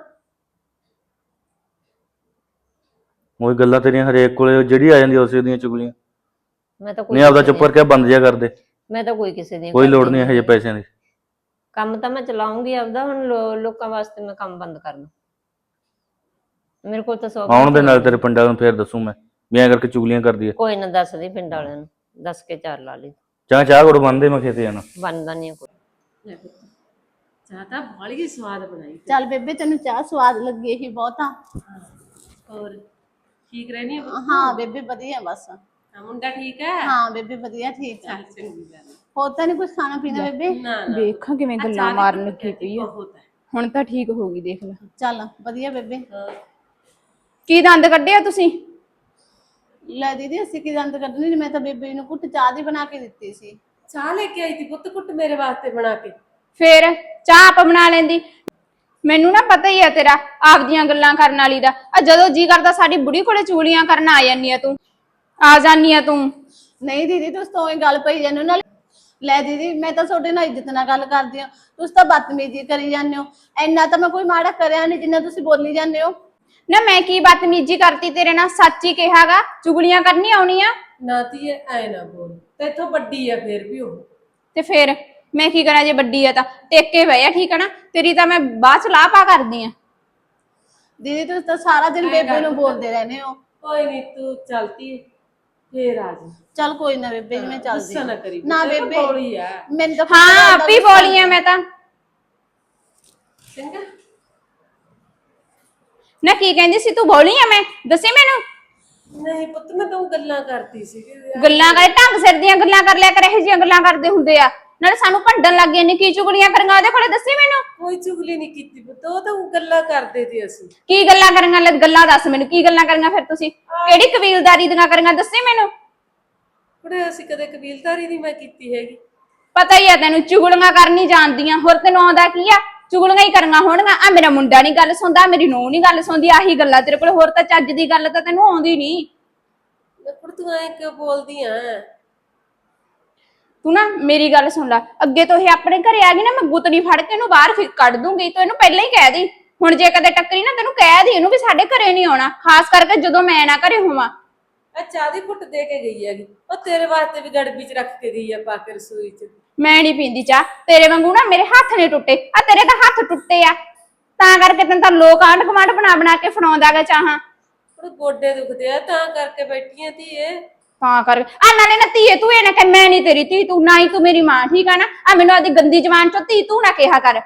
ਉਹੀ ਗੱਲਾਂ ਤੇਰੀਆਂ ਹਰੇਕ ਕੋਲੇ ਜਿਹੜੀ ਆ ਜਾਂਦੀ ਉਸੇ ਦੀਆਂ ਚੁਗਲੀਆਂ।
ਮੈਂ ਤਾਂ ਕੋਈ
ਨਹੀਂ ਆਪਦਾ
ਕਿਸੇ
ਚੁੱਪ ਕਰਕੇ ਬੰਦ ਜਿਹਾ ਕਰ ਦੇ।
ਮੈਂ ਤਾਂ ਕੋਈ ਕਿਸੇ ਦੀ
ਕੋਈ ਲੋੜ ਨਹੀਂ ਇਹੋ ਜਿਹੇ ਪੈਸਿਆਂ ਦੀ।
ਕੰਮ ਤਾਂ ਮੈਂ ਚਲਾਉਂਗੀ ਆਪਦਾ। ਹੁਣ ਲੋ- ਲੋਕਾਂ ਵਾਸਤੇ ਮੈਂ ਕੰਮ ਬੰਦ ਕਰ ਦੂੰ? ਮੇਰੇ ਕੋਲ ਤਾਂ ਸੌ
ਆਉਣ ਦੇ ਨਾਲ ਤੇਰੇ ਪਿੰਡਾਂ ਨੂੰ ਫੇਰ ਦੱਸੂ ਮੈਂ ਵੀ ਐਂ ਕਰਕੇ ਚੁਗਲੀਆਂ ਕਰਦੀ ਐ।
ਕੋਈ ਨਾ ਦੱਸਦੀ ਪਿੰਡ ਵਾਲਿਆਂ ਨੂੰ, ਦੱਸ ਕੇ ਚਾਰ ਲਾ ਲਈ।
ਚਾਹ ਚਾਹ ਗੁੜ ਬੰਨਦੇ, ਮੈਂ ਖੇਤੇ ਜਾਣਾ।
ਬਣਦਾ ਨਹੀਂ ਕੋਈ।
ਲੈ ਪੁੱਤ, ਚਾਹ ਤਾਂ ਬਾਹਲੀ ਹੀ ਸਵਾਦ ਬਣਾਈ।
ਚੱਲ ਬੇਬੇ ਤੈਨੂੰ ਚਾਹ ਸਵਾਦ ਲੱਗੀ ਇਹੀ ਬਹੁਤ ਆ।
ਹੋਰ ਠੀਕ ਰਹਿਣੀ ਆ ਪੁੱਤ?
ਹਾਂ ਬੇਬੇ ਵਧੀਆ ਬਸ।
ਹਾਂ, ਮੁੰਡਾ ਠੀਕ ਹੈ?
ਹਾਂ ਬੇਬੇ ਵਧੀਆ ਠੀਕ ਆ।
ਚੱਲ ਚੰਗੀ ਗੱਲ ਹੈ।
ਹੋਰ ਤਾਂ ਨਹੀਂ ਕੁਝ ਖਾਣਾ ਪੀਣਾ ਬੇਬੇ?
ਨਾ ਨਾ
ਵੇਖਾਂ ਕਿਵੇਂ
ਆਹ
ਗੱਲਾਂ
ਚਾਹ ਦੀ
ਮਾਰਨ
ਘੁੱਟ
ਲੱਗੀ
ਕਹਿਤੀ
ਪਈ ਆ।
ਬਹੁਤ ਹੈ।
ਹੁਣ ਤਾਂ ਠੀਕ ਹੋ ਗਈ, ਦੇਖ ਲੈ।
ਚੱਲ ਵਧੀਆ ਬੇਬੇ।
ਕੀ ਦੰਦ ਕੱਢਿਆ ਤੁਸੀਂ?
ਲੈ ਦੀਦੀ ਅਸੀਂ ਕੀ ਦੰਦ ਕੱਢਣੀ, ਮੈਂ ਤਾਂ ਬੇਬੇ ਨੂੰ ਕੁੱਟ ਚਾਹ ਦੀ ਬਣਾ ਕੇ ਦਿੱਤੀ ਸੀ।
ਚਾਹ ਲੈ ਕੇ ਆਈ ਸੀ ਪੁੱਤ, ਕੁੱਟ ਮੇਰੇ ਵਾਸਤੇ ਬਣਾ ਕੇ।
ਫੇਰ ਚਾਹ ਆਪ ਬਣਾ ਲੈਂਦੀ। ਮੈਨੂੰ ਨਾ ਪਤਾ ਹੀ ਆ ਤੇਰਾ ਆਪਦੀਆਂ ਗੱਲਾਂ ਕਰਨ ਵਾਲੀ ਦਾ। ਆ ਜਦੋਂ ਜੀ ਕਰਦਾ ਸਾਡੀ ਬੁੜੀ ਕੋਲੇ ਚੂਲੀਆਂ ਕਰਨ ਆ ਜਾਂਦੀ ਆ ਤੂੰ, ਆ ਜਾਂਦੀ ਆ ਤੂੰ।
ਨਹੀਂ ਦੀਦੀ ਤੁਸੀਂ ਤਾਂ ਉਹੀ ਗੱਲ ਪਈ ਜਾਂਦੇ ਹੋ ਨਾਲ। ਲੈ ਦੀਦੀ ਮੈਂ ਤਾਂ ਤੁਹਾਡੇ ਨਾਲ ਇੱਜ਼ਤ ਨਾਲ ਗੱਲ ਕਰਦੀ ਹਾਂ, ਤੁਸੀਂ ਤਾਂ ਬਦਤਮੀਜ਼ੀ ਕਰੀ ਜਾਂਦੇ ਹੋ। ਇੰਨਾ ਤਾਂ ਮੈਂ ਕੋਈ ਮਾੜਾ ਕਰਿਆ ਨਹੀਂ ਜਿੰਨਾ ਤੁਸੀਂ ਬੋਲੀ ਜਾਂਦੇ ਹੋ।
ਨਾ ਮੈਂ ਕੀ ਬਦਤਮੀਜ਼ੀ ਕਰਤੀ ਤੇਰੇ ਨਾਲ? ਸੱਚ ਹੀ ਕਿਹਾਗਾ, ਚੁਗਲੀਆਂ ਕਰਨੀ ਆਉਣੀਆਂ।
ਨਾ ਧੀਏ ਐ ਨਾ ਬੋਲ, ਤੇਥੋਂ ਵੱਡੀ ਆ ਫੇਰ ਵੀ ਉਹ।
ਤੇ ਫੇਰ ਮੈਂ ਕੀ ਕਰਾਂ? ਜੇ ਵੱਡੀ ਆ ਤਾਂ ਟੇਕੇ ਬਹਿ ਆ, ਠੀਕ ਹੈ ਨਾ? ਤੇਰੀ ਤਾਂ ਮੈਂ ਬਾਅਦ ਚ ਲਾਹ ਪਾ ਕਰਦੀ ਆ।
ਦੀਦੀ ਤੁਸੀਂ ਤਾਂ ਸਾਰਾ ਦਿਨ ਬੇਬੇ ਨੂੰ ਬੋਲਦੇ ਰਹਿੰਦੇ ਹੋ।
ਕੋਈ ਨਹੀਂ ਤੂੰ ਚਲਤੀ ਫੇਰ ਆ ਜਾ।
ਚੱਲ ਕੋਈ ਨਾ ਬੇਬੇ ਜੀ ਮੈਂ ਚੱਲਦੀ
ਗੁੱਸਾ ਨਾ ਕਰੀ
ਨਾ
ਪੁੱਤ, ਇਹ ਤਾਂ
ਬੇਬੇ
ਬੋਲੀ ਆ।
ਮੈਨੂੰ ਤਾਂ
ਹਾਂ ਆਪ ਹੀ ਬੋਲੀ ਆ ਮੈਂ ਤਾਂ।
ਚੰਗਾ
ਨਾ ਕੀ ਕਹਿੰਦੀ ਸੀ ਤੂੰ? ਬੋਲੀ ਆ ਮੈਂ? ਦੱਸੀ ਮੈਨੂੰ।
ਨਹੀਂ ਪੁੱਤ, ਮੈਂ ਤਾਂ ਗੱਲਾਂ ਕਰਦੀ ਸੀ।
ਗੱਲਾਂ ਕਰੇ, ਢੰਗ ਸਿਰ ਦੀਆਂ ਗੱਲਾਂ ਕਰ ਲਿਆ ਕਰ, ਇਹੋ ਜਿਹੀਆਂ ਗੱਲਾਂ ਕਰਦੇ ਹੁੰਦੇ ਆ। ਨਾਲੇ ਸਾਨੂੰ ਭੰਡਣ ਲੱਗ ਗਏ ਨੇ। ਕੀ ਚੁਗਲੀਆਂ ਕਰੀਆਂ ਉਹਦੇ ਕੋਲੇ? ਦੱਸੀ ਮੈਨੂੰ।
ਕੋਈ ਚੁਗਲੀ ਨਹੀਂ ਕੀਤੀ ਪੁੱਤ, ਉਹ ਤਾਂ ਗੱਲਾਂ ਕਰਦੇ ਸੀ ਅਸੀਂ।
ਕੀ ਗੱਲਾਂ ਕਰੀਆਂ? ਲੈ ਗੱਲਾਂ ਦੱਸ ਮੈਨੂੰ, ਕੀ ਗੱਲਾਂ ਕਰੀਆਂ ਫਿਰ ਤੁਸੀਂ? ਕਿਹੜੀ ਕਬੀਲਦਾਰੀ ਦੀਆਂ ਕਰੀਆਂ? ਦੱਸੀ ਮੈਨੂੰ।
ਕੁੜੇ ਅਸੀਂ ਕਦੇ ਕਬੀਲਦਾਰੀ ਨਹੀਂ ਮੈਂ ਕੀਤੀ ਹੈਗੀ।
ਪਤਾ ਹੀ ਆ ਤੈਨੂੰ, ਚੁਗਲੀਆਂ ਕਰਨੀ ਜਾਣਦੀਆਂ। ਹੋਰ ਤੈਨੂੰ ਆਉਂਦਾ ਕੀ ਆ? ਚੁਗਲੀਆਂ ਹੀ ਕਰੀਆਂ ਹੋਣਗੀਆਂ। ਆ ਮੇਰਾ ਮੁੰਡਾ ਨਹੀਂ ਗੱਲ ਸੁਣਦਾ, ਮੇਰੀ ਨੂੰਹ ਨਹੀਂ ਗੱਲ ਸੁਣਦੀ, ਆਹੀ ਗੱਲਾਂ ਤੇਰੇ ਕੋਲ। ਹੋਰ ਤਾਂ ਚੱਜ ਦੀ ਗੱਲ ਤਾਂ ਤੈਨੂੰ ਆਉਂਦੀ ਨਹੀਂ।
ਕੁੜ ਤੂੰ ਐ ਕਿਉਂ ਬੋਲਦੀ ਆ?
ਤੂੰ ਨਾ ਮੇਰੀ ਗੱਲ ਸੁਣ ਲੈ, ਅੱਗੇ ਤੋਂ ਇਹ ਆਪਣੇ ਘਰੇ ਆ ਗਈ ਨਾ, ਮੈਂ ਗੁੱਤਣੀ ਫੜ ਕੇ ਇਹਨੂੰ ਬਾਹਰ ਫਿਰ ਕੱਢ ਦੂੰਗੀ। ਤੂੰ ਇਹਨੂੰ ਪਹਿਲਾਂ ਹੀ ਕਹਿ ਦੀ। ਹੁਣ ਜੇ ਕਦੇ ਟੱਕਰੀ ਨਾ, ਤੈਨੂੰ ਕਹਿ ਦੀ ਇਹਨੂੰ ਵੀ ਸਾਡੇ ਘਰੇ ਨਹੀਂ ਆਉਣਾ, ਖਾਸ ਕਰਕੇ ਜਦੋਂ ਮੈਂ ਨਾ ਘਰੇ ਹੋਵਾਂ।
ਆ ਚਾਹ ਦੀ ਘੁੱਟ ਦੇ ਕੇ ਗਈ ਹੈਗੀ, ਉਹ ਤੇਰੇ ਵਾਸਤੇ ਵੀ ਗੜਬੀ ਚ ਰੱਖ ਕੇ ਗਈ ਆ ਪਾ ਕੇ ਰਸੋਈ ਚ।
ਮੈਂ ਨਹੀਂ ਪੀਂਦੀ ਚਾਹ ਤੇਰੇ ਵਾਂਗੂ ਨਾ, ਮੇਰੇ ਹੱਥ ਨਹੀਂ ਟੁੱਟੇ। ਆ ਤੇਰੇ ਤਾਂ ਹੱਥ ਟੁੱਟੇ ਆ, ਤਾਂ ਕਰਕੇ ਤੈਨੂੰ ਤਾਂ ਲੋਕ ਆਂਢ ਗੁਆਂਢ ਬਣਾ ਬਣਾ ਕੇ ਫੜਾਉਂਦਾ ਗਾ ਚਾਹਾਂ।
ਉਹ ਗੋਡੇ ਦੁਖਦੇ ਆ ਤਾਂ ਕਰਕੇ ਬੈਠੀ ਆ ਧੀਏ।
ਤਾਂ ਕਰਕੇ ਆ ਨਾਲੇ ਨਾ ਧੀਏ ਤੂੰ ਇਹ ਨਾ ਕਹਿ ਮੈਂ ਨਹੀਂ ਤੇਰੀ ਧੀ, ਤੂੰ ਨਾ ਹੀ ਤੂੰ ਮੇਰੀ ਮਾਂ, ਠੀਕ ਆ ਨਾ? ਆ ਮੈਨੂੰ ਆਦੀ ਗੰਦੀ ਜ਼ਬਾਨ ਚੋਂ ਧੀ ਤੂੰ ਨਾ ਕਿਹਾ ਕਰ।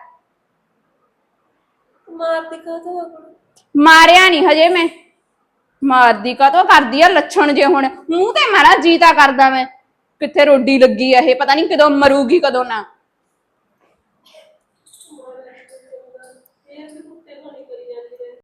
ਮਾਰਦੀ ਕਾਹਤੋਂ?
ਮਾਰਿਆ ਨਹੀਂ ਹਜੇ ਮੈਂ। ਮਾਰਦੀ ਕਾਹਤੋਂ ਕਰਦੀ ਆ ਲੱਛਣ ਜੇ। ਹੁਣ ਮੂੰਹ ਤੇ ਮਾਰਾ ਜੀਤਾ ਕਰਦਾ ਮੈਂ। ਕਿੱਥੇ ਰੋਡੀ ਲੱਗੀ ਆ ਇਹ, ਪਤਾ ਨਹੀਂ ਕਦੋਂ ਮਰੂਗੀ ਕਦੋਂ ਨਾ।